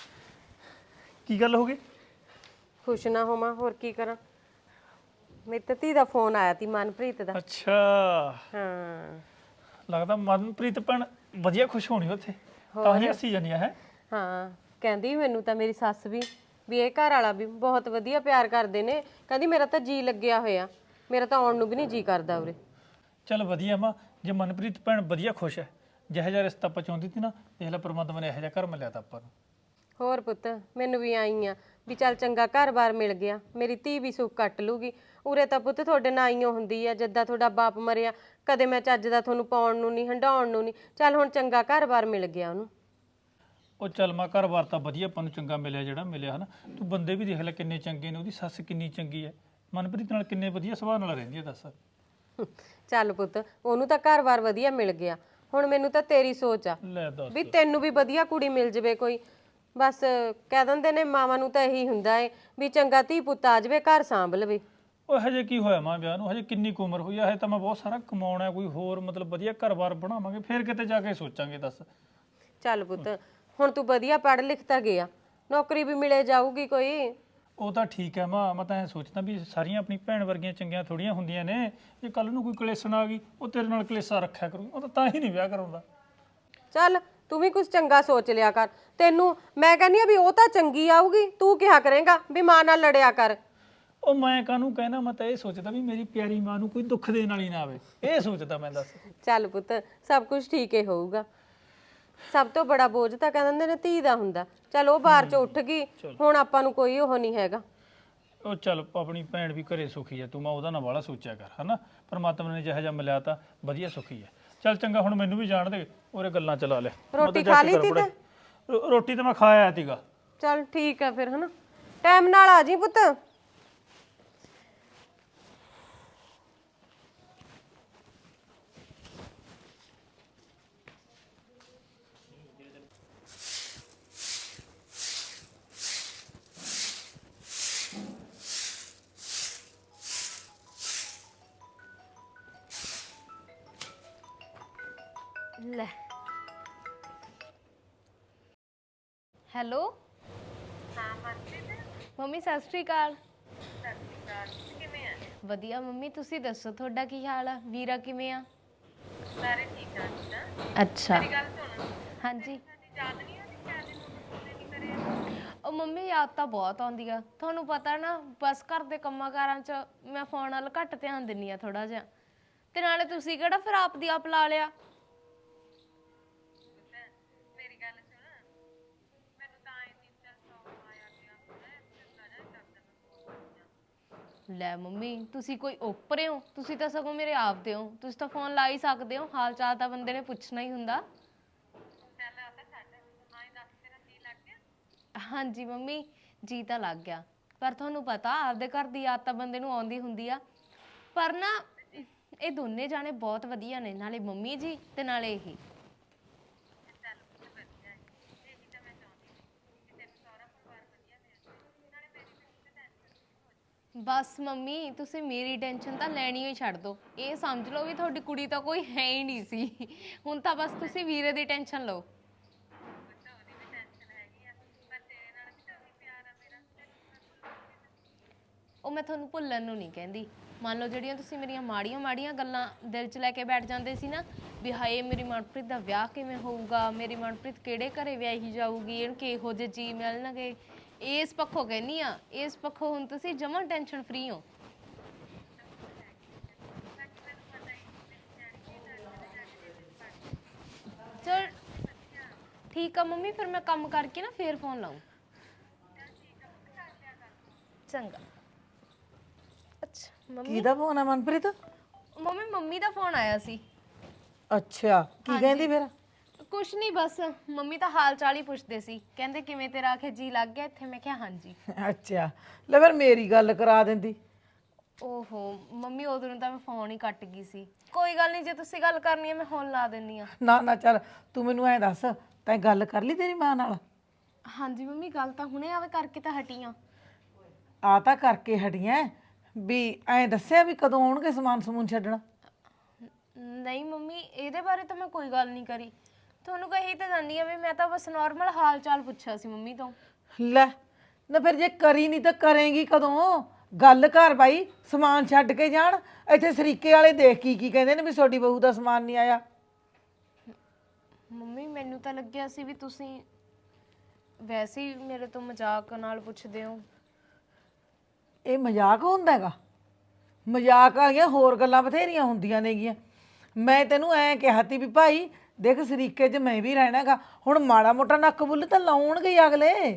Speaker 4: ਕੀ ਗੱਲ ਹੋ ਗਈ?
Speaker 5: ਖੁਸ਼ ਨਾ ਹੋਵਾਂ ਹੋਰ ਕੀ ਕਰਾਂ? ਮੇਰੀ ਤਾਂ ਧੀ ਦਾ ਫੋਨ ਆਇਆ ਤੀ ਮਨਪ੍ਰੀਤ ਦਾ।
Speaker 4: ਅੱਛਾ,
Speaker 5: ਹਾਂ
Speaker 4: ਲੱਗਦਾ ਮਨਪ੍ਰੀਤ ਭੈਣ ਵਧੀਆ ਖੁਸ਼ ਹੋਣੀ ਉੱਥੇ, ਤਾਂ ਹੀ ਹੱਸੀ ਜਾਂਦੀ ਹੈ।
Speaker 5: ਹਾਂ ਕਹਿੰਦੀ ਮੈਨੂੰ ਤਾਂ ਮੇਰੀ ਸੱਸ ਵੀ ਵੀ ਇਹ ਘਰ ਵਾਲਾ ਵੀ ਬਹੁਤ ਵਧੀਆ ਪਿਆਰ ਕਰਦੇ ਨੇ, ਕਹਿੰਦੀ ਮੇਰਾ ਤਾਂ ਜੀ ਲੱਗਿਆ ਹੋਇਆ, ਮੇਰਾ ਤਾਂ ਆਉਣ ਨੂੰ ਵੀ ਨਹੀਂ ਜੀ ਕਰਦਾ ਉਰੇ।
Speaker 4: ਚੱਲ ਵਧੀਆ ਮਾਂ, ਜੇ ਮਨਪ੍ਰੀਤ ਭੈਣ ਵਧੀਆ ਖੁਸ਼ ਹੈ, ਜਿਹੋ ਜਿਹਾ ਰਿਸ਼ਤਾ ਆਪਾਂ ਚਾਹੁੰਦੀ ਸੀ ਨਾ, ਦੇਖ ਲੈ ਪਰਮਾਤਮਾ ਨੇ ਇਹੋ ਜਿਹਾ ਘਰ ਮਿਲਿਆ ਤਾਂ ਆਪਾਂ ਨੂੰ।
Speaker 5: ਹੋਰ ਪੁੱਤ ਮੈਨੂੰ ਵੀ ਆਈ ਆ ਵੀ ਚੱਲ ਚੰਗਾ ਘਰ-ਬਾਰ ਮਿਲ ਗਿਆ, ਮੇਰੀ ਧੀ ਵੀ ਸੁੱਖ ਕੱਟ ਲੂਗੀ। ਉਰੇ ਤਾਂ ਪੁੱਤ ਤੁਹਾਡੇ ਨਾਲ ਆਈਓ ਹੁੰਦੀ ਆ, ਜਿੱਦਾਂ ਤੁਹਾਡਾ ਬਾਪ ਮਰਿਆ ਕਦੇ ਮੈਂ ਚੱਜ ਦਾ ਤੁਹਾਨੂੰ ਪਾਉਣ ਨੂੰ ਨਹੀਂ, ਹੰਡਾਉਣ ਨੂੰ ਨਹੀਂ। ਚੱਲ ਹੁਣ ਚੰਗਾ ਘਰ-ਬਾਰ ਮਿਲ ਗਿਆ ਉਹਨੂੰ।
Speaker 4: ਉਹ ਚੱਲ ਮਾਂ ਘਰ-ਬਾਰ ਤਾਂ ਵਧੀਆ ਆਪਾਂ ਨੂੰ ਚੰਗਾ ਮਿਲਿਆ ਜਿਹੜਾ ਮਿਲਿਆ ਹਨਾ। ਤੂੰ ਬੰਦੇ ਵੀ ਦੇਖ ਲੈ ਕਿੰਨੇ ਚੰਗੇ ਨੇ, ਉਹਦੀ ਸੱਸ ਕਿੰਨੀ ਚੰਗੀ ਹੈ, ਮਨਪ੍ਰੀਤ ਨਾਲ ਕਿੰਨੇ ਵਧੀਆ ਸੁਭਾਅ ਨਾਲ ਰਹਿੰਦੀ ਹੈ, ਦੱਸ।
Speaker 5: ਚੱਲ ਪੁੱਤ ਉਹਨੂੰ ਤਾਂ ਘਰ-ਬਾਰ ਵਧੀਆ ਮਿਲ ਗਿਆ, ਹੁਣ ਮੈਨੂੰ ਤਾਂ ਤੇਰੀ ਸੋਚ ਆ
Speaker 4: ਲੈ ਦੱਸ।
Speaker 5: ਵੀ ਤੈਨੂੰ ਵੀ ਵਧੀਆ ਕੁੜੀ ਮਿਲ ਜਵੇ ਕੋਈ। ਬਸ ਕਹਿ ਦਿੰਦੇ ਨੇ ਮਾਵਾਂ ਨੂੰ ਤਾਂ ਇਹੀ ਹੁੰਦਾ ਏ ਵੀ ਚੰਗਾ ਧੀ ਪੁੱਤ ਆ ਜਵੇ, ਘਰ ਸਾਂਭ ਲਵੇ।
Speaker 4: ਉਹ ਹਜੇ ਕੀ ਹੋਇਆ ਮਾਂ ਵਿਆਹ ਨੂੰ, ਹਜੇ ਕਿੰਨੀ ਕੁ ਉਮਰ ਹੋਈ ਆ, ਹਜੇ ਤਾਂ ਮੈਂ ਬਹੁਤ ਸਾਰਾ ਕਮਾਉਣਾ, ਕੋਈ ਹੋਰ ਮਤਲਬ ਵਧੀਆ ਘਰ-ਬਾਰ ਬਣਾਵਾਂਗੇ, ਫਿਰ ਕਿਤੇ ਜਾ ਕੇ ਸੋਚਾਂਗੇ, ਦੱਸ।
Speaker 5: ਚੱਲ ਪੁੱਤ ਹੁਣ ਤੂੰ ਵਧੀਆ ਪੜ੍ਹ ਲਿਖ ਤਾਂ ਗਿਆ, ਨੌਕਰੀ ਵੀ ਮਿਲੇ ਜਾਊਗੀ ਕੋਈ।
Speaker 4: ਉਹ ਤਾਂ ਠੀਕ ਹੈ ਮਾਂ, ਮੈਂ ਤਾਂ ਐਂ ਸੋਚਦਾ ਵੀ ਸਾਰੀਆਂ ਆਪਣੀ ਭੈਣ ਵਰਗੀਆਂ ਚੰਗੀਆਂ ਥੋੜੀਆਂ ਹੁੰਦੀਆਂ ਨੇ, ਜੇ ਕੱਲ ਨੂੰ ਕੋਈ ਕਲੇਸ਼ਣ ਆ ਗਈ ਉਹ ਤੇਰੇ ਨਾਲ ਕਲੇਸ਼ਾ ਰੱਖਿਆ ਕਰੂ, ਉਹ ਤਾਂ ਤਾਂ ਹੀ ਨਹੀਂ ਵਿਆਹ ਕਰਾਉਂਦਾ।
Speaker 5: ਚੱਲ ਤੂੰ ਵੀ ਕੁਝ ਚੰਗਾ ਸੋਚ ਲਿਆ ਕਰ, ਤੈਨੂੰ ਮੈਂ ਕਹਿੰਦੀ ਆ ਵੀ ਉਹ ਤਾਂ ਚੰਗੀ ਆਊਗੀ, ਤੂੰ ਕਿਹਾ ਕਰੇਂਗਾ ਵੀ ਮਾਂ ਨਾਲ ਲੜਿਆ ਕਰ।
Speaker 4: ਉਹ ਮੈਂ ਕਾਹਨੂੰ ਕਹਿਣਾ, ਮੈਂ ਤਾਂ ਇਹ ਸੋਚਦਾ ਵੀ ਮੇਰੀ ਪਿਆਰੀ ਮਾਂ ਨੂੰ ਕੋਈ ਦੁੱਖ ਦੇਣ ਵਾਲੀ ਨਾ ਆਵੇ, ਇਹ ਸੋਚਦਾ ਮੈਂ, ਦੱਸ।
Speaker 5: ਚੱਲ ਪੁੱਤ ਸਭ ਕੁਝ ਠੀਕ ਹੀ ਹੋਊਗਾ, ਸਭ ਤੋਂ ਬੜਾ ਬੋਝ ਤਾਂ ਕਹਿ ਦਿੰਦੇ ਨੇ ਧੀ ਦਾ ਹੁੰਦਾ। ਚੱਲ ਉਹ ਬਾਹਰ ਚ ਉੱਠ ਗਈ, ਹੁਣ ਆਪਾਂ ਨੂੰ ਕੋਈ ਉਹ ਨਹੀਂ ਹੈਗਾ।
Speaker 4: ਉਹ ਚੱਲ ਆਪਣੀ ਭੈਣ ਵੀ ਘਰੇ ਸੁਖੀ ਹੈ, ਤੂੰ ਮੈਂ ਉਹਦਾ ਨਾ ਵਾਲਾ ਸੋਚਿਆ ਕਰ, ਹਨਾ। ਪਰਮਾਤਮਾ ਨੇ ਜਿਹੋ ਜਿਹਾ ਮਿਲਿਆ ਤਾਂ ਵਧੀਆ ਸੁਖੀ ਹੈ। ਚੱਲ ਚੰਗਾ ਹੁਣ ਮੈਨੂੰ ਵੀ ਜਾਣ ਦੇ, ਉਹਰੇ ਗੱਲਾਂ ਚਲਾ ਲਿਆ। ਮੈਂ ਤਾਂ
Speaker 5: ਰੋਟੀ
Speaker 4: ਜਾ
Speaker 5: ਖਾ
Speaker 4: ਕੇ
Speaker 5: ਲਈ
Speaker 4: ਕਰ
Speaker 5: ਤੀ
Speaker 4: ਪੜ੍ਹਾਈ।
Speaker 5: ਤੇ
Speaker 4: ਰੋ- ਰੋਟੀ ਤਾਂ ਮੈਂ ਖਾ ਆਇਆ ਸੀਗਾ।
Speaker 5: ਚੱਲ ਠੀਕ ਆ ਫਿਰ ਹਨਾ, ਟਾਈਮ ਨਾਲ ਆ ਜੀ ਪੁੱਤ।
Speaker 2: ਲੈ ਹੈਲੋ ਹਾਂ ਮੰਮੀ ਸਤਿ ਸ਼੍ਰੀ ਅਕਾਲ। ਸਤਿ ਸ਼੍ਰੀ ਅਕਾਲ, ਕਿਵੇਂ ਆ? ਵਧੀਆ ਮੰਮੀ, ਤੁਸੀਂ ਦੱਸੋ ਤੁਹਾਡਾ ਕੀ ਹਾਲ ਆ? ਵੀਰਾ ਕਿਵੇਂ ਆ? ਸਾਰੇ ਠੀਕ ਆ। ਅੱਛਾ ਮੇਰੀ ਗੱਲ ਸੁਣ। ਹਾਂਜੀ ਯਾਦ ਨਹੀਂ ਆਉਂਦੀ ਕਿਆ ਦਿਨ ਉਹਨੇ ਨਹੀਂ ਕਰਿਆ? ਉਹ ਮੰਮੀ ਯਾਦ ਤਾਂ ਬਹੁਤ ਆਉਂਦੀ ਆ, ਤੁਹਾਨੂੰ ਪਤਾ ਨਾ ਬਸ ਘਰ ਦੇ ਕੰਮਾਂ ਕਾਰਾਂ 'ਚ ਮੈਂ ਫੋਨ ਵੱਲ ਘੱਟ ਧਿਆਨ ਦਿੰਦੀ ਆ ਥੋੜਾ ਜਿਹਾ, ਤੇ ਨਾਲੇ ਤੁਸੀਂ ਕਿਹੜਾ ਫਿਰ ਆਪ ਦੀ ਆਪ ਲਾ ਲਿਆ। ਲੈ ਮੰਮੀ ਤੁਸੀਂ ਕੋਈ ਓਪਰੇ ਹੋ? ਤੁਸੀਂ ਤਾਂ ਸਗੋਂ ਮੇਰੇ ਆਪ ਦੇ ਹੋ, ਤੁਸੀਂ ਤਾਂ ਫੋਨ ਲਾ ਹੀ ਸਕਦੇ ਹੋ, ਹਾਲ ਚਾਲ ਤਾਂ ਬੰਦੇ ਨੇ ਪੁੱਛਣਾ ਹੀ ਹੁੰਦਾ। ਹਾਂਜੀ ਮੰਮੀ ਜੀ ਤਾਂ ਲੱਗ ਗਿਆ, ਪਰ ਤੁਹਾਨੂੰ ਪਤਾ ਆਪਦੇ ਘਰ ਦੀ ਯਾਦ ਤਾਂ ਬੰਦੇ ਨੂੰ ਆਉਂਦੀ ਹੁੰਦੀ ਆ। ਪਰ ਨਾ ਇਹ ਦੋਨੇ ਜਾਣੇ ਬਹੁਤ ਵਧੀਆ ਨੇ, ਨਾਲੇ ਮੰਮੀ ਜੀ ਤੇ ਨਾਲੇ ਇਹ। ਬਸ ਮੰਮੀ ਤੁਸੀਂ ਮੇਰੀ ਟੈਨਸ਼ਨ ਤਾਂ ਲੈਣੀ ਹੀ ਛੱਡ ਦਿਓ, ਇਹ ਸਮਝ ਲਓ ਵੀ ਤੁਹਾਡੀ ਕੁੜੀ ਤਾਂ ਕੋਈ ਹੈ ਹੀ ਨਹੀਂ ਸੀ, ਹੁਣ ਤਾਂ ਬਸ ਤੁਸੀਂ ਵੀਰੇ ਦੀ ਟੈਨਸ਼ਨ ਲਓ। ਉਹ ਮੈਂ ਤੁਹਾਨੂੰ ਭੁੱਲਣ ਨੂੰ ਨਹੀਂ ਕਹਿੰਦੀ, ਮੰਨ ਲਓ ਜਿਹੜੀਆਂ ਤੁਸੀਂ ਮੇਰੀਆਂ ਮਾੜੀਆਂ ਮਾੜੀਆਂ ਗੱਲਾਂ ਦਿਲ 'ਚ ਲੈ ਕੇ ਬੈਠ ਜਾਂਦੇ ਸੀ ਨਾ, ਵੀ ਹਾਏ ਮੇਰੀ ਮਨਪ੍ਰੀਤ ਦਾ ਵਿਆਹ ਕਿਵੇਂ ਹੋਊਗਾ, ਮੇਰੀ ਮਨਪ੍ਰੀਤ ਕਿਹੜੇ ਘਰੇ ਵਿਆਹੀ ਜਾਊਗੀ, ਇਹਨੂੰ ਕਿਹੋ ਜਿਹੇ ਜੀ ਮਿਲਣਗੇ, ਇਸ ਪੱਖੋਂ ਕਹਿੰਦੀ ਆ, ਇਸ ਪੱਖੋਂ ਹੁਣ ਤੁਸੀਂ ਜਮਾਂ ਟੈਨਸ਼ਨ ਫਰੀ ਹੋ। ਚਲ ਠੀਕ ਆ ਮੰਮੀ, ਫਿਰ ਮੈਂ ਕੰਮ ਕਰਕੇ ਨਾ ਫੇਰ ਫੋਨ ਲਾਊਂ। ਚੰਗਾ। ਅੱਛਾ ਮੰਮੀ,
Speaker 3: ਕਿਹਦਾ ਫੋਨ ਆ ਮਨਪ੍ਰੀਤ?
Speaker 2: ਮੰਮੀ ਮੰਮੀ ਦਾ ਫੋਨ ਆਇਆ ਸੀ।
Speaker 3: ਅੱਛਾ ਕੀ ਕਹਿੰਦੀ ਫਿਰ?
Speaker 2: ਕੁਛ ਨਹੀਂ, ਬਸ ਮੰਮੀ ਤਾਂ ਹਾਲ ਚਾਲ ਹੀ ਪੁੱਛਦੇ ਸੀ, ਕਹਿੰਦੇ ਕਿਵੇਂ ਤੇਰਾ ਆਖੇ ਜੀ ਲੱਗ ਗਿਆ ਇੱਥੇ? ਮੈਂ ਕਿਹਾ ਹਾਂਜੀ।
Speaker 3: ਅੱਛਾ ਲੈ ਫਿਰ ਮੇਰੀ ਗੱਲ ਕਰਾ ਦਿੰਦੀ।
Speaker 2: ਓਹੋ ਮੰਮੀ ਉਦੋਂ ਨੂੰ ਤਾਂ ਮੈਂ ਫੋਨ ਹੀ ਕੱਟ ਗਈ ਸੀ। ਕੋਈ ਗੱਲ ਨਹੀਂ, ਜੇ ਤੁਸੀਂ ਗੱਲ ਕਰਨੀ ਹੈ ਮੈਂ ਹੁਣ ਲਾ ਦਿੰਨੀ ਆ।
Speaker 3: ਨਾ ਨਾ ਚੱਲ ਤੂੰ ਮੈਨੂੰ ਐਂ ਦੱਸ, ਤੈਂ ਗੱਲ ਕਰ ਲਈ ਤੇਰੀ ਮਾਂ ਨਾਲ?
Speaker 2: ਹਾਂਜੀ ਮੰਮੀ ਗੱਲ ਤਾਂ ਹੁਣੇ ਆਵੇ ਕਰਕੇ ਤਾਂ ਹਟੀ ਆ।
Speaker 3: ਆ ਤਾਂ ਕਰਕੇ ਹਟੀਆਂ, ਵੀ ਐਂ ਦੱਸਿਆ ਵੀ ਕਦੋਂ ਆਉਣਗੇ ਸਮਾਨ ਸਮੂਨ ਛੱਡਣਾ?
Speaker 2: ਨਹੀਂ ਮੰਮੀ ਇਹਦੇ ਬਾਰੇ ਤਾਂ ਮੈਂ ਕੋਈ ਗੱਲ ਨਹੀਂ ਕਰੀ, ਤੁਹਾਨੂੰ ਕਹੀ ਤਾਂ ਜਾਂਦੀ ਆ ਵੀ ਮੈਂ ਤਾਂ ਬਸ ਨਾਰਮਲ ਹਾਲ ਚਾਲ ਪੁੱਛਿਆ ਸੀ ਮੰਮੀ ਤੋਂ।
Speaker 3: ਲੈ ਨਾ ਫਿਰ ਜੇ ਕਰੀ ਨਹੀਂ ਤਾਂ ਕਰੇਂਗੀ ਕਦੋਂ? ਗੱਲ ਕਰ ਬਾਈ, ਸਮਾਨ ਛੱਡ ਕੇ ਜਾਣ। ਇੱਥੇ ਸਰੀਕੇ ਵਾਲੇ ਦੇਖ ਕੀ ਕੀ ਕਹਿੰਦੇ ਨੇ ਵੀ ਤੁਹਾਡੀ ਬਹੂ ਦਾ ਸਮਾਨ ਨਹੀਂ ਆਇਆ।
Speaker 2: ਮੰਮੀ ਮੈਨੂੰ ਤਾਂ ਲੱਗਿਆ ਸੀ ਵੀ ਤੁਸੀਂ ਵੈਸੇ ਹੀ ਮੇਰੇ ਤੋਂ ਮਜ਼ਾਕ ਨਾਲ ਪੁੱਛਦੇ ਹੋ।
Speaker 3: ਇਹ ਮਜ਼ਾਕ ਹੁੰਦਾ ਹੈਗਾ? ਮਜ਼ਾਕ ਵਾਲੀਆਂ ਹੋਰ ਗੱਲਾਂ ਬਥੇਰੀਆਂ ਹੁੰਦੀਆਂ ਨੇਗੀਆਂ। ਮੈਂ ਤੈਨੂੰ ਐਂ ਕਿਹਾ ਤੀ ਵੀ ਭਾਈ ਦੇਖ ਸਰੀਕੇ 'ਚ ਮੈਂ ਵੀ ਰਹਿਣਾ ਹੈਗਾ, ਹੁਣ ਮਾੜਾ ਮੋਟਾ ਨੱਕ ਬੁੱਲ ਤਾਂ ਲਾਉਣਗੇ ਹੀ ਅਗਲੇ।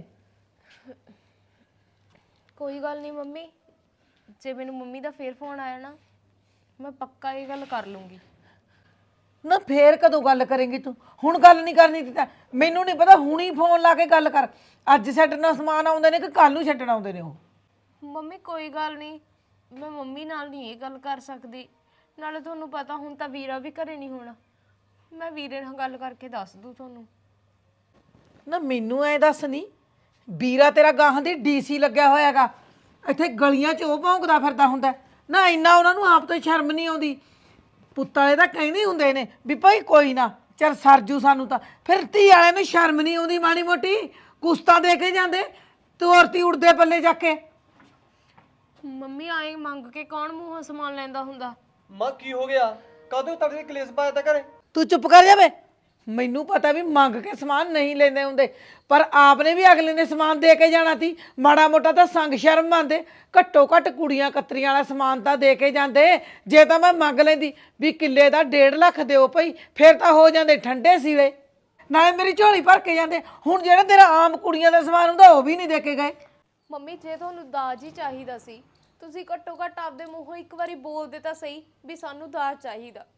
Speaker 2: ਕੋਈ ਗੱਲ ਨਹੀਂ ਮੰਮੀ, ਜੇ ਮੈਨੂੰ ਮੰਮੀ ਦਾ ਫੇਰ ਫੋਨ ਆਇਆ ਨਾ ਮੈਂ ਪੱਕਾ ਇਹ ਗੱਲ ਕਰ ਲੂੰਗੀ।
Speaker 3: ਨਾ ਫੇਰ ਕਦੋਂ ਗੱਲ ਕਰੇਂਗੀ ਤੂੰ? ਹੁਣ ਗੱਲ ਨਹੀਂ ਕਰਨੀ ਦਿੱਤਾ ਮੈਨੂੰ ਨਹੀਂ ਪਤਾ, ਹੁਣੀ ਫੋਨ ਲਾ ਕੇ ਗੱਲ ਕਰ। ਅੱਜ ਛੱਡਣਾ ਸਮਾਨ ਆਉਂਦੇ ਨੇ ਕਿ ਕੱਲ ਨੂੰ ਛੱਡਣ ਆਉਂਦੇ ਨੇ ਉਹ?
Speaker 2: ਮੰਮੀ ਕੋਈ ਗੱਲ ਨਹੀਂ, ਮੈਂ ਮੰਮੀ ਨਾਲ ਨਹੀਂ ਇਹ ਗੱਲ ਕਰ ਸਕਦੀ, ਨਾਲੇ ਤੁਹਾਨੂੰ ਪਤਾ ਹੁਣ ਤਾਂ ਵੀਰਾ ਵੀ ਘਰੇ ਨਹੀਂ ਹੋਣਾ, ਮੈਂ ਵੀਰੇ ਨਾਲ ਗੱਲ ਕਰਕੇ ਦੱਸ ਦੂੰ ਤੁਹਾਨੂੰ।
Speaker 3: ਨਾ ਮੈਨੂੰ ਐ ਦੱਸ, ਨਹੀਂ ਵੀਰਾ ਤੇਰਾ ਗਾਹਾਂ ਦੀ ਡੀਸੀ ਲੱਗਿਆ ਹੋਇਆ ਹੈਗਾ, ਇੱਥੇ ਗਲੀਆਂ 'ਚ ਉਹ ਭੌਂਕਦਾ ਫਿਰਦਾ ਹੁੰਦਾ ਨਾ? ਇੰਨਾ ਉਹਨਾਂ ਨੂੰ ਆਪ ਤੋਂ ਸ਼ਰਮ ਨਹੀਂ ਆਉਂਦੀ? ਪੁੱਤ ਵਾਲੇ ਤਾਂ ਕਹਿੰਦੇ ਹੁੰਦੇ ਨੇ ਵੀ ਭਾਈ ਕੋਈ ਨਾ ਚੱਲ ਸਰਜੂ ਸਾਨੂੰ ਤਾਂ, ਫਿਰ ਧੀ ਵਾਲਿਆਂ ਨੂੰ ਸ਼ਰਮ ਨਹੀਂ ਆਉਂਦੀ ਮਾੜੀ ਮੋਟੀ? ਕੁਸਤਾ ਦੇ ਕੇ ਜਾਂਦੇ ਤੋਰਤੀ ਉੜਦੇ ਪੱਲੇ ਜਾ ਕੇ।
Speaker 2: ਮੰਮੀ ਆਏ ਮੰਗ ਕੇ ਕੌਣ ਮੂੰਹੋਂ ਸਮਾਨ ਲੈਂਦਾ ਹੁੰਦਾ?
Speaker 1: ਮਾਂ ਕੀ ਹੋ ਗਿਆ? ਕਾਹਦੇ ਤੁਹਾਡੇ ਕਲੇਸ਼ ਪਾਇਆ ਤਾਂ ਘਰੇ?
Speaker 3: ਤੂੰ ਚੁੱਪ ਕਰ ਜਾਵੇ। ਮੈਨੂੰ ਪਤਾ ਵੀ ਮੰਗ ਕੇ ਸਮਾਨ ਨਹੀਂ ਲੈਂਦੇ ਹੁੰਦੇ, ਪਰ ਆਪਨੇ ਵੀ ਅਗਲੇ ਨੇ ਸਮਾਨ ਦੇ ਕੇ ਜਾਣਾ ਸੀ। ਮਾੜਾ ਮੋਟਾ ਤਾਂ ਸੰਗ ਸ਼ਰਮ ਮੰਨਦੇ, ਘੱਟੋ ਘੱਟ ਕੁੜੀਆਂ ਕਤਰੀਆਂ ਵਾਲਾ ਸਮਾਨ ਤਾਂ ਦੇ ਕੇ ਜਾਂਦੇ। ਜੇ ਤਾਂ ਮੈਂ ਮੰਗ ਲੈਂਦੀ ਵੀ ਕਿੱਲੇ ਦਾ ਡੇਢ ਲੱਖ ਦਿਓ ਭਾਈ, ਫਿਰ ਤਾਂ ਹੋ ਜਾਂਦੇ ਠੰਡੇ ਸੀਲੇ, ਨਾਲੇ ਮੇਰੀ ਝੋਲੀ ਭਰ ਕੇ ਜਾਂਦੇ। ਹੁਣ ਜਿਹੜਾ ਤੇਰਾ ਆਮ ਕੁੜੀਆਂ ਦਾ ਸਮਾਨ ਹੁੰਦਾ ਉਹ ਵੀ ਨਹੀਂ ਦੇ ਕੇ ਗਏ।
Speaker 2: ਮੰਮੀ ਜੇ ਤੁਹਾਨੂੰ ਦਾਜ ਹੀ ਚਾਹੀਦਾ ਸੀ, ਤੁਸੀਂ ਘੱਟੋ ਘੱਟ ਆਪਦੇ ਮੂੰਹੋਂ ਇੱਕ ਵਾਰੀ ਬੋਲਦੇ ਤਾਂ ਸਹੀ ਵੀ ਸਾਨੂੰ ਦਾਜ ਚਾਹੀਦਾ।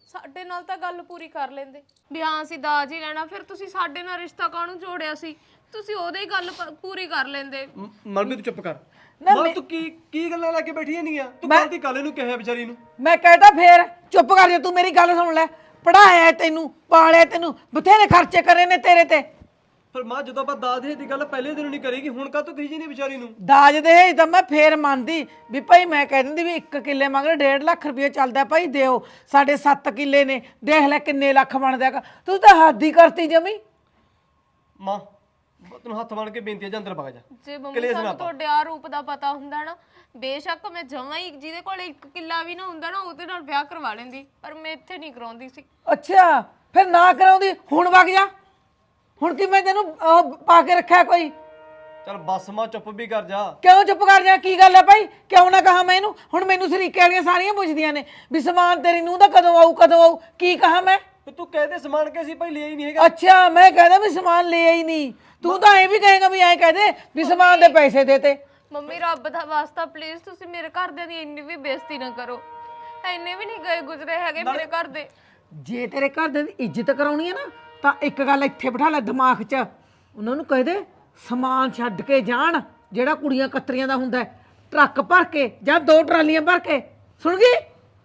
Speaker 2: ਸਾਡੇ ਨਾਲ ਤਾਂ ਗੱਲ ਪੂਰੀ ਕਰ ਲੈਂਦੇ ਵੀ ਹਾਂ ਅਸੀਂ ਦਾਜ ਹੀ ਲੈਣਾ, ਫਿਰ ਤੁਸੀਂ ਸਾਡੇ ਨਾਲ ਰਿਸ਼ਤਾ ਕਾਹਨੂੰ ਜੋੜਿਆ ਸੀ? ਤੁਸੀਂ ਉਹਦੇ ਹੀ ਗੱਲ ਪ- ਪੂਰੀ ਕਰ ਲੈਂਦੇ।
Speaker 1: ਮਨਪ੍ਰੀਤ ਤੂੰ ਚੁੱਪ ਕਰ। ਮਾਂ ਤੂੰ ਕੀ ਕੀ ਗੱਲਾਂ ਲੈ ਕੇ ਬੈਠੀ ਨਹੀਂ ਆ? ਤੂੰ ਕੱਲ ਦੀ ਕੱਲ ਨੂੰ ਕਿਹਾ ਵਿਚਾਰੀ ਨੂੰ।
Speaker 3: ਮੈਂ ਕਹਿਤਾ ਫੇਰ ਚੁੱਪ ਕਰ ਜਾ, ਤੂੰ ਮੇਰੀ ਗੱਲ ਸੁਣ ਲੈ। ਪੜਾਇਆ ਤੈਨੂੰ, ਪਾਲਿਆ ਤੈਨੂੰ, ਬਥੇਰੇ ਖਰਚੇ ਕਰੇ ਨੇ ਤੇਰੇ ਤੇ।
Speaker 1: ਪਰ ਮਾਂ ਜਦੋਂ ਆਪਾਂ ਦਾਜ ਦੇ ਦੀ ਗੱਲ ਪਹਿਲੇ ਦਿਨ ਨਹੀਂ ਕਰੇਗੀ, ਹੁਣ ਕਾ ਤੂੰ ਕਹੀ ਜੀ ਨਹੀਂ ਵਿਚਾਰੀ ਨੂੰ?
Speaker 3: ਦਾਜ ਦੇ ਤਾਂ ਮੈਂ ਫੇਰ ਮੰਨਦੀ ਵੀ ਭਾਈ, ਮੈਂ ਕਹਿ ਦਿੰਦੀ ਵੀ ਇੱਕ ਕਿੱਲੇ ਮੰਗਦੇ ਡੇਢ ਲੱਖ ਰੁਪਏ ਚੱਲਦਾ ਭਾਈ ਦਿਓ। ਸਾਡੇ ਸੱਤ ਕਿੱਲੇ ਨੇ, ਦੇਖ ਲੈ ਕਿੰਨੇ ਲੱਖ ਬਣਦਾ ਹੈਗਾ। ਤੂੰ ਤਾਂ ਹੱਦ ਹੀ ਕਰਤੀ ਜਮੀ।
Speaker 1: ਮਾਂ ਤੈਨੂੰ ਹੱਥ ਬਣ ਕੇ ਬੇਨਤੀ ਹੈ, ਜਾਂ ਅੰਦਰ ਵਗ ਜਾ।
Speaker 2: ਜੇ ਮੰਮੀ ਸਾਨੂੰ ਤੁਹਾਡੇ ਆ ਰੂਪ ਦਾ ਪਤਾ ਹੁੰਦਾ ਨਾ, ਬੇਸ਼ੱਕ ਮੈਂ ਜਮਾਂ ਹੀ ਜਿਹਦੇ ਕੋਲ ਇੱਕ ਕਿੱਲਾ ਵੀ ਨਾ ਹੁੰਦਾ ਨਾ, ਉਹਦੇ ਨਾਲ ਵਿਆਹ ਕਰਵਾ ਲੈਂਦੀ, ਪਰ ਮੈਂ ਇੱਥੇ ਨਹੀਂ ਕਰਾਉਂਦੀ ਸੀ।
Speaker 3: ਅੱਛਾ ਫਿਰ ਨਾ ਕਰਾਉਂਦੀ, ਹੁਣ ਵਗ ਜਾ। ਹੁਣ ਕੀ ਮੈਂ ਤੈਨੂੰ ਉਹ ਪਾ ਕੇ ਰੱਖਿਆ ਕੋਈ?
Speaker 1: ਚੱਲ ਬਸ ਮਾਂ ਚੁੱਪ ਵੀ ਕਰ ਜਾ।
Speaker 3: ਕਿਉਂ ਚੁੱਪ ਕਰ ਜਾ? ਕੀ ਗੱਲ ਹੈ ਭਾਈ? ਕਿਉਂ ਨਾ ਕਹਾ ਮੈਂ ਇਹਨੂੰ? ਹੁਣ ਮੈਨੂੰ ਸਰੀਕੇ ਵਾਲੀਆਂ ਸਾਰੀਆਂ ਪੁੱਛਦੀਆਂ ਨੇ ਵੀ ਸਮਾਨ ਤੇਰੀ ਨੂੰ ਦਾ ਕਦੋਂ ਆਊ ਕਦੋਂ ਆਊ। ਕੀ ਕਹਾ ਮੈਂ?
Speaker 1: ਤੇ ਤੂੰ ਕਹਦੇ ਸਮਾਨ ਕੇ ਸੀ ਭਾਈ ਲਿਆ ਹੀ ਨਹੀਂ ਹੈਗਾ।
Speaker 3: ਅੱਛਾ ਮੈਂ ਕਹਿੰਦਾ ਵੀ ਸਮਾਨ ਲਿਆ ਹੀ ਨਹੀਂ। ਤੂੰ ਤਾਂ ਐ ਵੀ ਕਹੇਗਾ ਵੀ ਐ ਕਹਦੇ ਵੀ ਸਮਾਨ ਦੇ ਪੈਸੇ ਦੇ ਤੇ।
Speaker 2: ਮੰਮੀ ਰੱਬ ਦਾ ਵਾਸਤਾ ਪਲੀਜ਼ ਤੁਸੀਂ ਮੇਰੇ ਘਰਦਿਆਂ ਦੀ ਇੰਨੀ ਵੀ ਬੇਇੱਜ਼ਤੀ ਨਾ ਕਰੋ। ਇੰਨੇ ਵੀ ਨਹੀਂ ਗਏ ਗੁਜ਼ਰੇ ਹੈਗੇ ਮੇਰੇ ਘਰ ਦੇ।
Speaker 3: ਜੇ ਤੇਰੇ ਘਰ ਦੇ ਦੀ ਇੱਜ਼ਤ ਕਰਾਉਣੀ ਹੈ ਨਾ, ਤਾਂ ਇੱਕ ਗੱਲ ਇੱਥੇ ਬਿਠਾ ਲੈ ਦਿਮਾਗ 'ਚ। ਉਹਨਾਂ ਨੂੰ ਕਹਿ ਦੇ ਸਮਾਨ ਛੱਡ ਕੇ ਜਾਣ ਜਿਹੜਾ ਕੁੜੀਆਂ ਕਤਰੀਆਂ ਦਾ ਹੁੰਦਾ, ਟਰੱਕ ਭਰ ਕੇ ਜਾਂ ਦੋ ਟਰਾਲੀਆਂ ਭਰ ਕੇ। ਸੁਣ ਗਈ?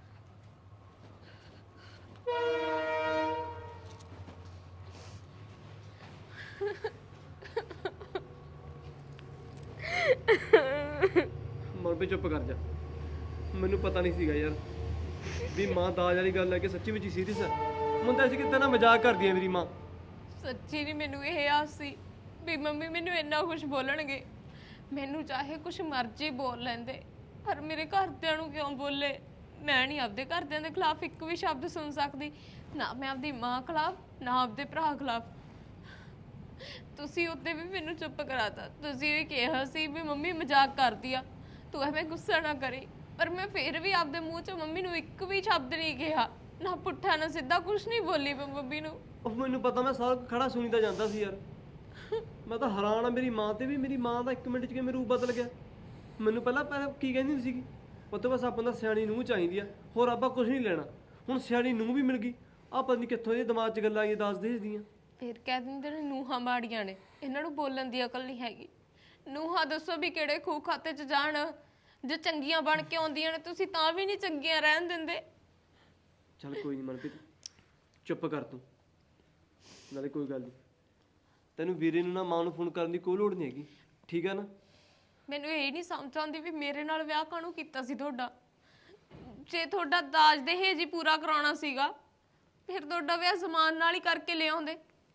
Speaker 1: ਮਨ ਵੀ ਚੁੱਪ ਕਰ ਜਾ। ਮੈਨੂੰ ਪਤਾ ਨਹੀਂ ਸੀਗਾ ਯਾਰ ਵੀ ਮਾਂ ਦਾਜ ਵਾਲੀ ਗੱਲ ਹੈ ਕਿ ਸੱਚੀ ਵਿੱਚ ਸੀਰੀਅਸ ਹੈ। ਮੁੰਡਾ ਸੀ ਕਿਤੇ ਨਾ ਮਜ਼ਾਕ ਕਰਦੀ ਹੈ ਮੇਰੀ ਮਾਂ।
Speaker 2: ਸੱਚੀ ਨਹੀਂ ਮੈਨੂੰ ਇਹ ਆਸ ਸੀ ਵੀ ਮੰਮੀ ਮੈਨੂੰ ਇੰਨਾ ਕੁਝ ਬੋਲਣਗੇ। ਮੈਨੂੰ ਚਾਹੇ ਕੁਝ ਮਰਜ਼ੀ ਬੋਲ ਲੈਂਦੇ, ਪਰ ਮੇਰੇ ਘਰਦਿਆਂ ਨੂੰ ਕਿਉਂ ਬੋਲੇ? ਮੈਂ ਨਹੀਂ ਆਪਦੇ ਘਰਦਿਆਂ ਦੇ ਖਿਲਾਫ ਇੱਕ ਵੀ ਸ਼ਬਦ ਸੁਣ ਸਕਦੀ, ਨਾ ਮੈਂ ਆਪਦੀ ਮਾਂ ਖਿਲਾਫ, ਨਾ ਆਪਦੇ ਭਰਾ ਖਿਲਾਫ। ਤੁਸੀਂ ਉੱਤੇ ਵੀ ਮੈਨੂੰ ਚੁੱਪ ਕਰਾਤਾ। ਤੁਸੀਂ ਵੀ ਕਿਹਾ ਸੀ ਵੀ ਮੰਮੀ ਮਜ਼ਾਕ ਕਰਦੀ ਆ, ਤੂੰ ਐਵੇਂ ਗੁੱਸਾ ਨਾ ਕਰੀ, ਪਰ ਮੈਂ ਫਿਰ ਵੀ ਆਪਦੇ ਮੂੰਹ 'ਚੋਂ ਮੰਮੀ ਨੂੰ ਇੱਕ ਵੀ ਸ਼ਬਦ ਨਹੀਂ ਕਿਹਾ, ਨਾ ਪੁੱਠਾ ਨਾ ਸਿੱਧਾ ਕੁਝ ਨਹੀਂ ਬੋਲੀ ਮੈਂ ਮੰਮੀ ਨੂੰ।
Speaker 1: ਉਹ ਮੈਨੂੰ ਪਤਾ, ਮੈਂ ਸਾਰਾ ਖੜਾ ਸੁਣੀ ਤਾਂ ਜਾਂਦਾ ਸੀ ਯਾਰ। ਮੈਂ ਤਾਂ ਹੈਰਾਨ ਆ ਮੇਰੀ ਮਾਂ ਤੇ ਵੀ। ਮੇਰੀ ਮਾਂ ਦਾ ਇੱਕ ਮਿੰਟ 'ਚ ਕਿਵੇਂ ਰੂਪ ਬਦਲ ਗਿਆ। ਮੈਨੂੰ ਪਹਿਲਾਂ ਪਹਿਲਾਂ ਕੀ ਕਹਿੰਦੀ ਹੁੰਦੀ ਸੀਗੀ, ਉਹ ਤੋਂ ਬਸ ਆਪਾਂ ਦਾ ਸਿਆਣੀ ਨੂੰਹ ਚਾਹੀਦੀ ਆ, ਹੋਰ ਆਪਾਂ ਕੁਝ ਨਹੀਂ ਲੈਣਾ। ਹੁਣ ਸਿਆਣੀ ਨੂੰਹ ਵੀ ਮਿਲ ਗਈ। ਆਹ ਪਤਾ ਨਹੀਂ ਕਿੱਥੋਂ ਇਹ ਦਿਮਾਗ 'ਚ ਗੱਲਾਂ ਆਈਆਂ ਦੱਸ ਦੇਦੀਆਂ।
Speaker 2: ਫਿਰ ਕਹਿ ਦਿੰਦੇ ਨੇ ਨੂੰਹਾਂ ਮਾੜੀਆਂ ਨੇ, ਇਹਨਾਂ ਨੂੰ ਬੋਲਣ ਦੀ ਅਕਲ ਨਹੀਂ ਹੈਗੀ। ਨੂੰਹਾਂ ਦੱਸੋ ਵੀ ਕਿਹੜੇ ਖੂਹ ਖਾਤੇ 'ਚ ਜਾਣ? ਜੇ ਚੰਗੀਆਂ ਬਣ ਕੇ ਆਉਂਦੀਆਂ ਨੇ ਤੁਸੀਂ ਤਾਂ ਵੀ ਨਹੀਂ ਚੰਗੀਆਂ ਰਹਿਣ ਦਿੰਦੇ।
Speaker 1: ਚੱਲ ਕੋਈ ਨਹੀਂ ਮਨਪ੍ਰੀਤ, ਚੁੱਪ ਕਰ ਤੂੰ। ਨਾਲੇ ਕੋਈ ਗੱਲ ਨਹੀਂ, ਤੈਨੂੰ ਵੀਰੇ ਨੂੰ ਨਾ ਮਾਂ ਨੂੰ ਫੋਨ ਕਰਨ ਦੀ ਕੋਈ ਲੋੜ ਨਹੀਂ ਹੈਗੀ, ਠੀਕ ਹੈ ਨਾ?
Speaker 2: ਮੈਨੂੰ ਇਹ ਨਹੀਂ ਸਮਝ ਆਉਂਦੀ ਵੀ ਮੇਰੇ ਨਾਲ ਵਿਆਹ ਕਾਹਨੂੰ ਕੀਤਾ ਸੀ ਤੁਹਾਡਾ। ਜੇ ਤੁਹਾਡਾ ਦਾਜ ਦਹੇਜ ਹੀ ਪੂਰਾ ਕਰਾਉਣਾ ਸੀਗਾ, ਫਿਰ ਤੁਹਾਡਾ ਵਿਆਹ ਜ਼ਮਾਨ ਨਾਲ ਹੀ ਕਰਕੇ ਲਿਆਉਂਦੇ।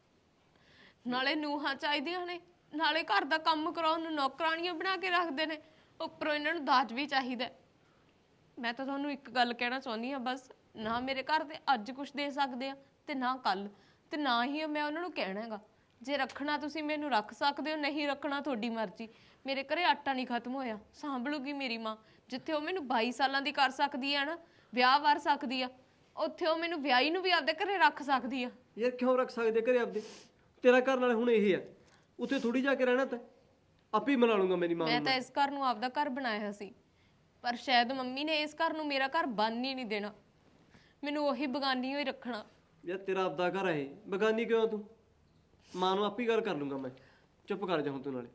Speaker 2: ਨਾਲੇ ਨੂੰਹਾਂ ਚਾਹੀਦੀਆਂ ਨੇ, ਨਾਲੇ ਘਰ ਦਾ ਕੰਮ ਕਰਾਉਣ ਨੂੰ ਨੌਕਰਾਣੀਆਂ ਬਣਾ ਕੇ ਰੱਖਦੇ ਨੇ, ਉੱਪਰੋਂ ਇਹਨਾਂ ਨੂੰ ਦਾਜ ਵੀ ਚਾਹੀਦਾ। ਮੈਂ ਤਾਂ ਤੁਹਾਨੂੰ ਇੱਕ ਗੱਲ ਕਹਿਣਾ ਚਾਹੁੰਦੀ ਹਾਂ ਬਸ, ਨਾ ਮੇਰੇ ਘਰ ਦੇ ਅੱਜ ਕੁਝ ਦੇ ਸਕਦੇ ਆ ਤੇ ਨਾ ਕੱਲ, ਤੇ ਨਾ ਹੀ ਮੈਂ ਉਹਨਾਂ ਨੂੰ ਕਹਿਣਾ ਹੈਗਾ। ਜੇ ਰੱਖਣਾ ਤੁਸੀਂ ਮੈਨੂੰ ਰੱਖ ਸਕਦੇ ਹੋ, ਨਹੀਂ ਰੱਖਣਾ ਤੁਹਾਡੀ ਮਰਜ਼ੀ। ਮੇਰੇ ਘਰੇ ਆਟਾ ਨਹੀਂ ਖਤਮ ਹੋਇਆ, ਸਾਂਭ ਲੂਗੀ ਮੇਰੀ ਮਾਂ। ਜਿੱਥੇ ਉਹ ਮੈਨੂੰ ਬਾਈ ਸਾਲਾਂ ਦੀ ਕਰ ਸਕਦੀ ਹੈ ਨਾ, ਵਿਆਹ ਵਰ ਸਕਦੀ ਆ, ਉੱਥੇ ਉਹ ਮੈਨੂੰ ਵਿਆਹੀ ਨੂੰ ਵੀ ਆਪਦੇ ਘਰੇ ਰੱਖ ਸਕਦੀ ਆ।
Speaker 1: ਯਾਰ ਕਿਉਂ ਰੱਖ ਸਕਦੇ ਘਰੇ ਆਪਦੇ? ਤੇਰਾ ਘਰ ਨਾਲੇ ਹੁਣ ਇਹ ਆ, ਉੱਥੇ ਥੋੜੀ ਜਾ ਕੇ ਰਹਿਣਾ। ਤਾਂ ਆਪੇ ਹੀ ਮਨਾ ਲੂੰਗਾ ਮੇਰੀ ਮਾਂ ਨੂੰ।
Speaker 2: ਮੈਂ ਤਾਂ ਇਸ ਘਰ ਨੂੰ ਆਪਦਾ ਘਰ ਬਣਾਇਆ ਸੀ, ਪਰ ਸ਼ਾਇਦ ਮੰਮੀ ਨੇ ਇਸ ਘਰ ਨੂੰ ਮੇਰਾ ਘਰ ਬਣ ਹੀ ਨਹੀਂ ਦੇਣਾ। ਮੈਨੂੰ ਉਹੀ ਬਗਾਨੀ ਹੋਈ ਰੱਖਣਾ।
Speaker 1: ਯਾਰ ਤੇਰਾ ਆਪਦਾ ਘਰ ਹੈ, ਬਗਾਨੀ ਕਿਉਂ ਤੂੰ? ਮਾਂ ਨੂੰ ਆਪੇ ਹੀ ਗੱਲ ਕਰ ਲੂੰਗਾ ਮੈਂ। ਚੁੱਪ ਕਰ ਜਾ ਹੁਣ ਤੂੰ। ਨਾਲੇ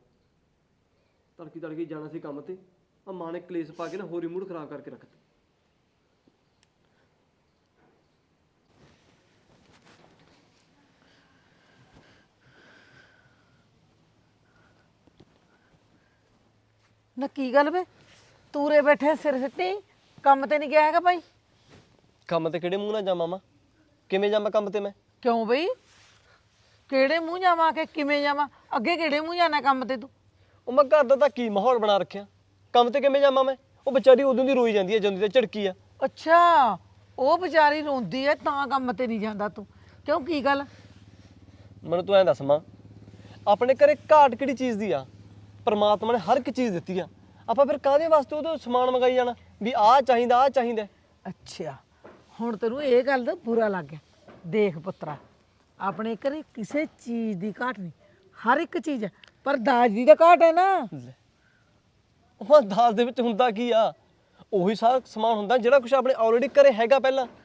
Speaker 1: ਤੜਕੀ ਤੜਕੀ ਜਾਣਾ ਸੀ ਕੰਮ ਤੇ, ਆ ਮਾਂ ਨੇ ਕਲੇਸ਼ ਪਾ ਕੇ ਨਾ ਹੋਰ ਹੀ ਮੂਡ ਖਰਾਬ ਕਰਕੇ ਰੱਖਤਾ।
Speaker 3: ਨਾ ਕੀ ਗੱਲ ਵੇ, ਤੂਰੇ ਬੈਠੇ ਸਿਰ ਸਿੱਟੀ, ਕੰਮ ਤੇ ਨਹੀਂ ਗਿਆ ਹੈਗਾ ਭਾਈ?
Speaker 1: ਕੰਮ ਤੇ ਕਿਹੜੇ ਮੂੰਹ ਨਾਲ ਜਾਵਾਂ ਮਾਂ? ਕਿਵੇਂ ਜਾਵਾਂ ਕੰਮ ਤੇ ਮੈਂ?
Speaker 3: ਕਿਉਂ ਬਈ? ਕਿਹੜੇ ਮੂੰਹ ਜਾਵਾਂ ਕਿ ਕਿਵੇਂ ਜਾਵਾਂ? ਅੱਗੇ ਕਿਹੜੇ ਮੂੰਹ ਜਾਣਾ ਕੰਮ ਤੇ ਤੂੰ?
Speaker 1: ਉਹ ਮੈਂ ਘਰ ਦਾ ਤਾਂ ਕੀ ਮਾਹੌਲ ਬਣਾ ਰੱਖਿਆ, ਕੰਮ ਤੇ ਕਿਵੇਂ ਜਾਵਾਂ ਮੈਂ? ਉਹ ਵਿਚਾਰੀ ਉਦੋਂ ਦੀ ਰੋਈ ਜਾਂਦੀ ਹੈ, ਜਾਂਦੀ ਤੇ ਝੜਕੀ ਆ।
Speaker 3: ਅੱਛਾ, ਉਹ ਵਿਚਾਰੀ ਰੋਂਦੀ ਐ ਤਾਂ ਕੰਮ ਤੇ ਨਹੀਂ ਜਾਂਦਾ ਤੂੰ? ਕਿਉਂ, ਕੀ ਗੱਲ?
Speaker 1: ਮੈਨੂੰ ਤੂੰ ਐਂ ਦੱਸ ਮਾਂ, ਆਪਣੇ ਘਰੇ ਘਾਟ ਕਿਹੜੀ ਚੀਜ਼ ਦੀ ਆ? ਪਰਮਾਤਮਾ ਨੇ ਹਰ ਇੱਕ ਚੀਜ਼ ਦਿੱਤੀ ਆ, ਆਪਾਂ ਫਿਰ ਕਾਹਦੇ ਵਾਸਤੇ ਉਹਦੇ ਸਮਾਨ ਮੰਗਾਈ ਜਾਣਾ ਵੀ ਆਹ ਚਾਹੀਦਾ ਆਹ ਚਾਹੀਦਾ?
Speaker 3: ਅੱਛਾ, ਹੁਣ ਤੈਨੂੰ ਇਹ ਗੱਲ ਦਾ ਬੁਰਾ ਲੱਗ ਗਿਆ। ਦੇਖ ਪੁੱਤਰਾ, ਆਪਣੇ ਘਰੇ ਕਿਸੇ ਚੀਜ਼ ਦੀ ਘਾਟ ਨਹੀਂ, ਹਰ ਇੱਕ ਚੀਜ਼ ਹੈ, ਪਰ ਦਾਜ ਦੀ ਤਾਂ ਘਾਟ ਹੈ ਨਾ।
Speaker 1: ਉਹ ਦਾਜ ਦੇ ਵਿੱਚ ਹੁੰਦਾ ਕੀ ਆ? ਉਹੀ ਸਾਰਾ ਸਮਾਨ ਹੁੰਦਾ ਜਿਹੜਾ ਕੁਝ ਆਪਣੇ ਆਲਰੇਡੀ ਘਰੇ ਹੈਗਾ ਪਹਿਲਾਂ।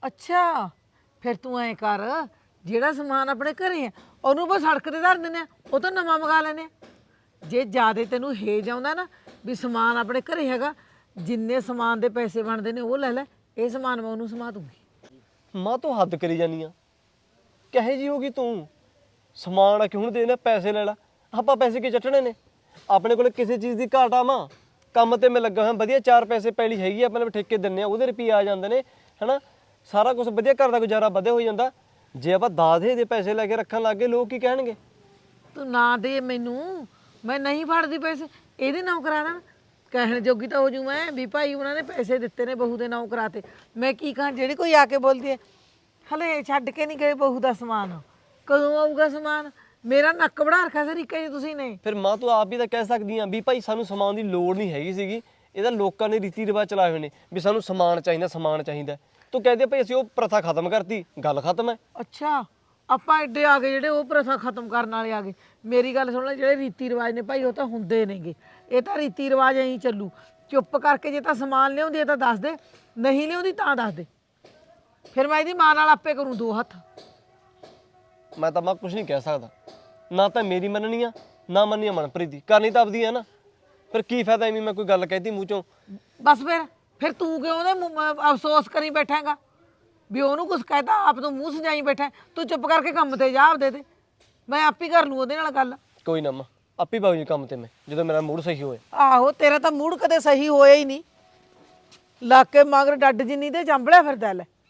Speaker 3: ਅੱਛਾ ਫਿਰ ਤੂੰ ਐ ਕਰ, ਜਿਹੜਾ ਸਮਾਨ ਆਪਣੇ ਘਰੇ ਆ ਉਹਨੂੰ ਬਸ ਸੜਕ ਤੇ ਧਰ ਦਿੰਦੇ ਆ, ਉਹ ਤਾਂ ਨਵਾਂ ਮੰਗਾ ਲੈਨੇ ਆ। ਜੇ ਜਿਆਦੇ ਤੈਨੂੰ ਹੇਜ ਆਉਂਦਾ ਨਾ ਵੀ ਸਮਾਨ ਆਪਣੇ ਘਰੇ ਹੈਗਾ, ਜਿੰਨੇ ਸਮਾਨ ਦੇ ਪੈਸੇ ਬਣਦੇ ਨੇ ਉਹ ਲੈ ਲੈ, ਇਹ ਸਮਾਨ ਮੈਂ ਉਹਨੂੰ ਸਮਾ ਦੂੰਗੀ।
Speaker 1: ਮਾਂ ਤੂੰ ਹੱਦ ਕਰੀ ਜਾਨੀ ਆ, ਕਹੇ ਜੀ ਹੋਗੀ ਤੂੰ? ਸਮਾਨ ਆ ਕਿ ਹੁਣ ਦੇਣਾ, ਪੈਸੇ ਲੈ ਲਾ। ਆਪਾਂ ਪੈਸੇ ਕੀ ਚੱਟਣੇ ਨੇ? ਆਪਣੇ ਕੋਲ ਕਿਸੇ ਚੀਜ਼ ਦੀ ਘਾਟ ਆ ਮਾਂ? ਕੰਮ ਤੇ ਮੈਂ ਲੱਗਾ ਹੋਇਆ, ਵਧੀਆ ਚਾਰ ਪੈਸੇ ਪੈਲੀ ਹੈਗੀ ਆ, ਆਪਣੇ ਠੇਕੇ ਦਿੰਨੇ ਆ, ਉਹਦੇ ਰੁਪਏ ਆ ਜਾਂਦੇ ਨੇ ਹਨਾ, ਸਾਰਾ ਕੁਝ ਵਧੀਆ, ਘਰ ਦਾ ਗੁਜ਼ਾਰਾ ਵਧਿਆ ਹੋ ਜਾਂਦਾ। ਜੇ ਆਪਾਂ ਦਾਦੇ ਦੇ ਪੈਸੇ ਲੈ ਕੇ ਰੱਖਣ ਲੱਗ ਗਏ, ਲੋਕ ਕੀ ਕਹਿਣਗੇ?
Speaker 3: ਤੂੰ ਨਾ ਦੇ ਮੈਨੂੰ, ਮੈਂ ਨਹੀਂ ਫੜਦੀ ਪੈਸੇ, ਇਹਦੇ ਨਾਂ ਕਰਾ ਦੇਣ, ਕਹਿਣ ਜੋਗੀ ਤਾਂ ਹੋ ਜੂ ਮੈਂ ਵੀ ਭਾਈ ਉਹਨਾਂ ਨੇ ਪੈਸੇ ਦਿੱਤੇ ਨੇ, ਬਹੂ ਦੇ ਨਾਂ ਕਰਾਤੇ। ਮੈਂ ਕੀ ਕਹਾਂ, ਜਿਹੜੀ ਕੋਈ ਆ ਕੇ ਬੋਲਦੀ ਹੈ ਹਲੇ ਛੱਡ ਕੇ ਨਹੀਂ ਗਏ ਬਹੂ ਦਾ ਸਮਾਨ, ਕਦੋਂ ਆਊਗਾ ਸਮਾਨ? ਮੇਰਾ ਨੱਕ ਵੜਾ ਰੱਖਿਆ ਸਰ ਇੱਕ ਜੀ ਤੁਸੀਂ ਨੇ।
Speaker 1: ਫਿਰ ਮਾਂ ਤੂੰ ਆਪ ਵੀ ਤਾਂ ਕਹਿ ਸਕਦੀ ਆ ਵੀ ਭਾਈ ਸਾਨੂੰ ਸਮਾਨ ਦੀ ਲੋੜ ਨਹੀਂ ਹੈਗੀ ਸੀਗੀ, ਇਹਦਾ ਲੋਕਾਂ ਨੇ ਰੀਤੀ ਰਿਵਾਜ ਚਲਾਏ ਹੋਏ ਨੇ ਵੀ ਸਾਨੂੰ ਸਮਾਨ ਚਾਹੀਦਾ, ਸਮਾਨ ਚਾਹੀਦਾ। ਤੂੰ ਕਹਦੇ ਭਾਈ ਅਸੀਂ ਉਹ ਪ੍ਰਥਾ ਖਤਮ ਕਰਤੀ, ਗੱਲ ਖਤਮ ਹੈ।
Speaker 3: ਅੱਛਾ ਆਪਾਂ ਐਡੇ ਆ ਗਏ ਜਿਹੜੇ ਉਹ ਪ੍ਰਥਾ ਖਤਮ ਕਰਨ ਵਾਲੇ ਆ ਗਏ। ਮੇਰੀ ਗੱਲ ਸੁਣ ਲੈ, ਜਿਹੜੇ ਰੀਤੀ ਰਿਵਾਜ ਨੇ ਭਾਈ ਉਹ ਤਾਂ ਹੁੰਦੇ ਨੇਗੇ, ਇਹ ਤਾਂ ਰੀਤੀ ਰਿਵਾਜ ਐਂ ਚੱਲੂ। ਚੁੱਪ ਕਰਕੇ ਜੇ ਤਾਂ ਸਮਾਨ ਲਿਆਉਂਦੀ ਹੈ ਤਾਂ ਦੱਸ ਦੇ, ਨਹੀਂ ਲਿਆਉਂਦੀ ਤਾਂ ਦੱਸ ਦੇ, ਫਿਰ ਮੈਂ ਇਹਦੀ ਮਾਂ ਨਾਲ ਆਪੇ ਕਰੂੰ ਦੋ ਹੱਥ।
Speaker 1: ਮੈਂ ਤਾਂ ਮਾਂ ਕੁਝ ਨਹੀਂ ਕਹਿ ਸਕਦਾ, ਨਾ ਤਾਂ ਮੇਰੀ ਮੰਨਣੀ ਆ ਨਾ ਮੰਨੀ ਆ ਮਨਪ੍ਰੀਤ ਦੀ, ਕਰਨੀ ਤਾਂ ਆਪਦੀ ਆ ਨਾ। ਫਿਰ ਕੀ ਫਾਇਦਾ ਐਵੇਂ ਮੈਂ ਕੋਈ ਗੱਲ ਕਹਿਤੀ ਮੂੰਹ ਚੋਂ?
Speaker 3: ਬਸ ਫਿਰ ਫਿਰ ਤੂੰ ਕਿਉਂ ਉਹਦੇ ਮੂੰਹ- ਅਹ ਅਫਸੋਸ ਕਰੀ ਬੈਠਾਂਗਾ ਵੀ ਉਹਨੂੰ ਕੁਝ ਕਹਿਤਾ, ਆਪ ਤੋਂ ਮੂੰਹ ਸਜਾਈ ਬੈਠਾ। ਤੂੰ ਚੁੱਪ ਕਰਕੇ ਕੰਮ ਤੇ ਜਾ ਆਪਦੇ ਤੇ, ਮੈਂ ਆਪ ਹੀ ਕਰ ਲੂੰ ਉਹਦੇ ਨਾਲ ਗੱਲ।
Speaker 1: ਕੋਈ ਨਾ ਮਾਂ, ਆਪੇ ਬਾਬੂ ਜੀ ਕੰਮ ਤੇ ਮੈਂ, ਜਦੋਂ ਮੇਰਾ ਮੂਡ ਸਹੀ ਹੋਏ।
Speaker 3: ਆਹੋ ਤੇਰਾ ਤਾਂ ਮੂਡ ਕਦੇ ਸਹੀ ਹੋਇਆ ਹੀ ਨਹੀਂ, ਲੱਗ ਕੇ ਮਗਰ ਡੱਡ ਜਿੰਨੀ ਤੇ ਚੰਬਲਿਆ ਫਿਰਦਾ ਲੈ।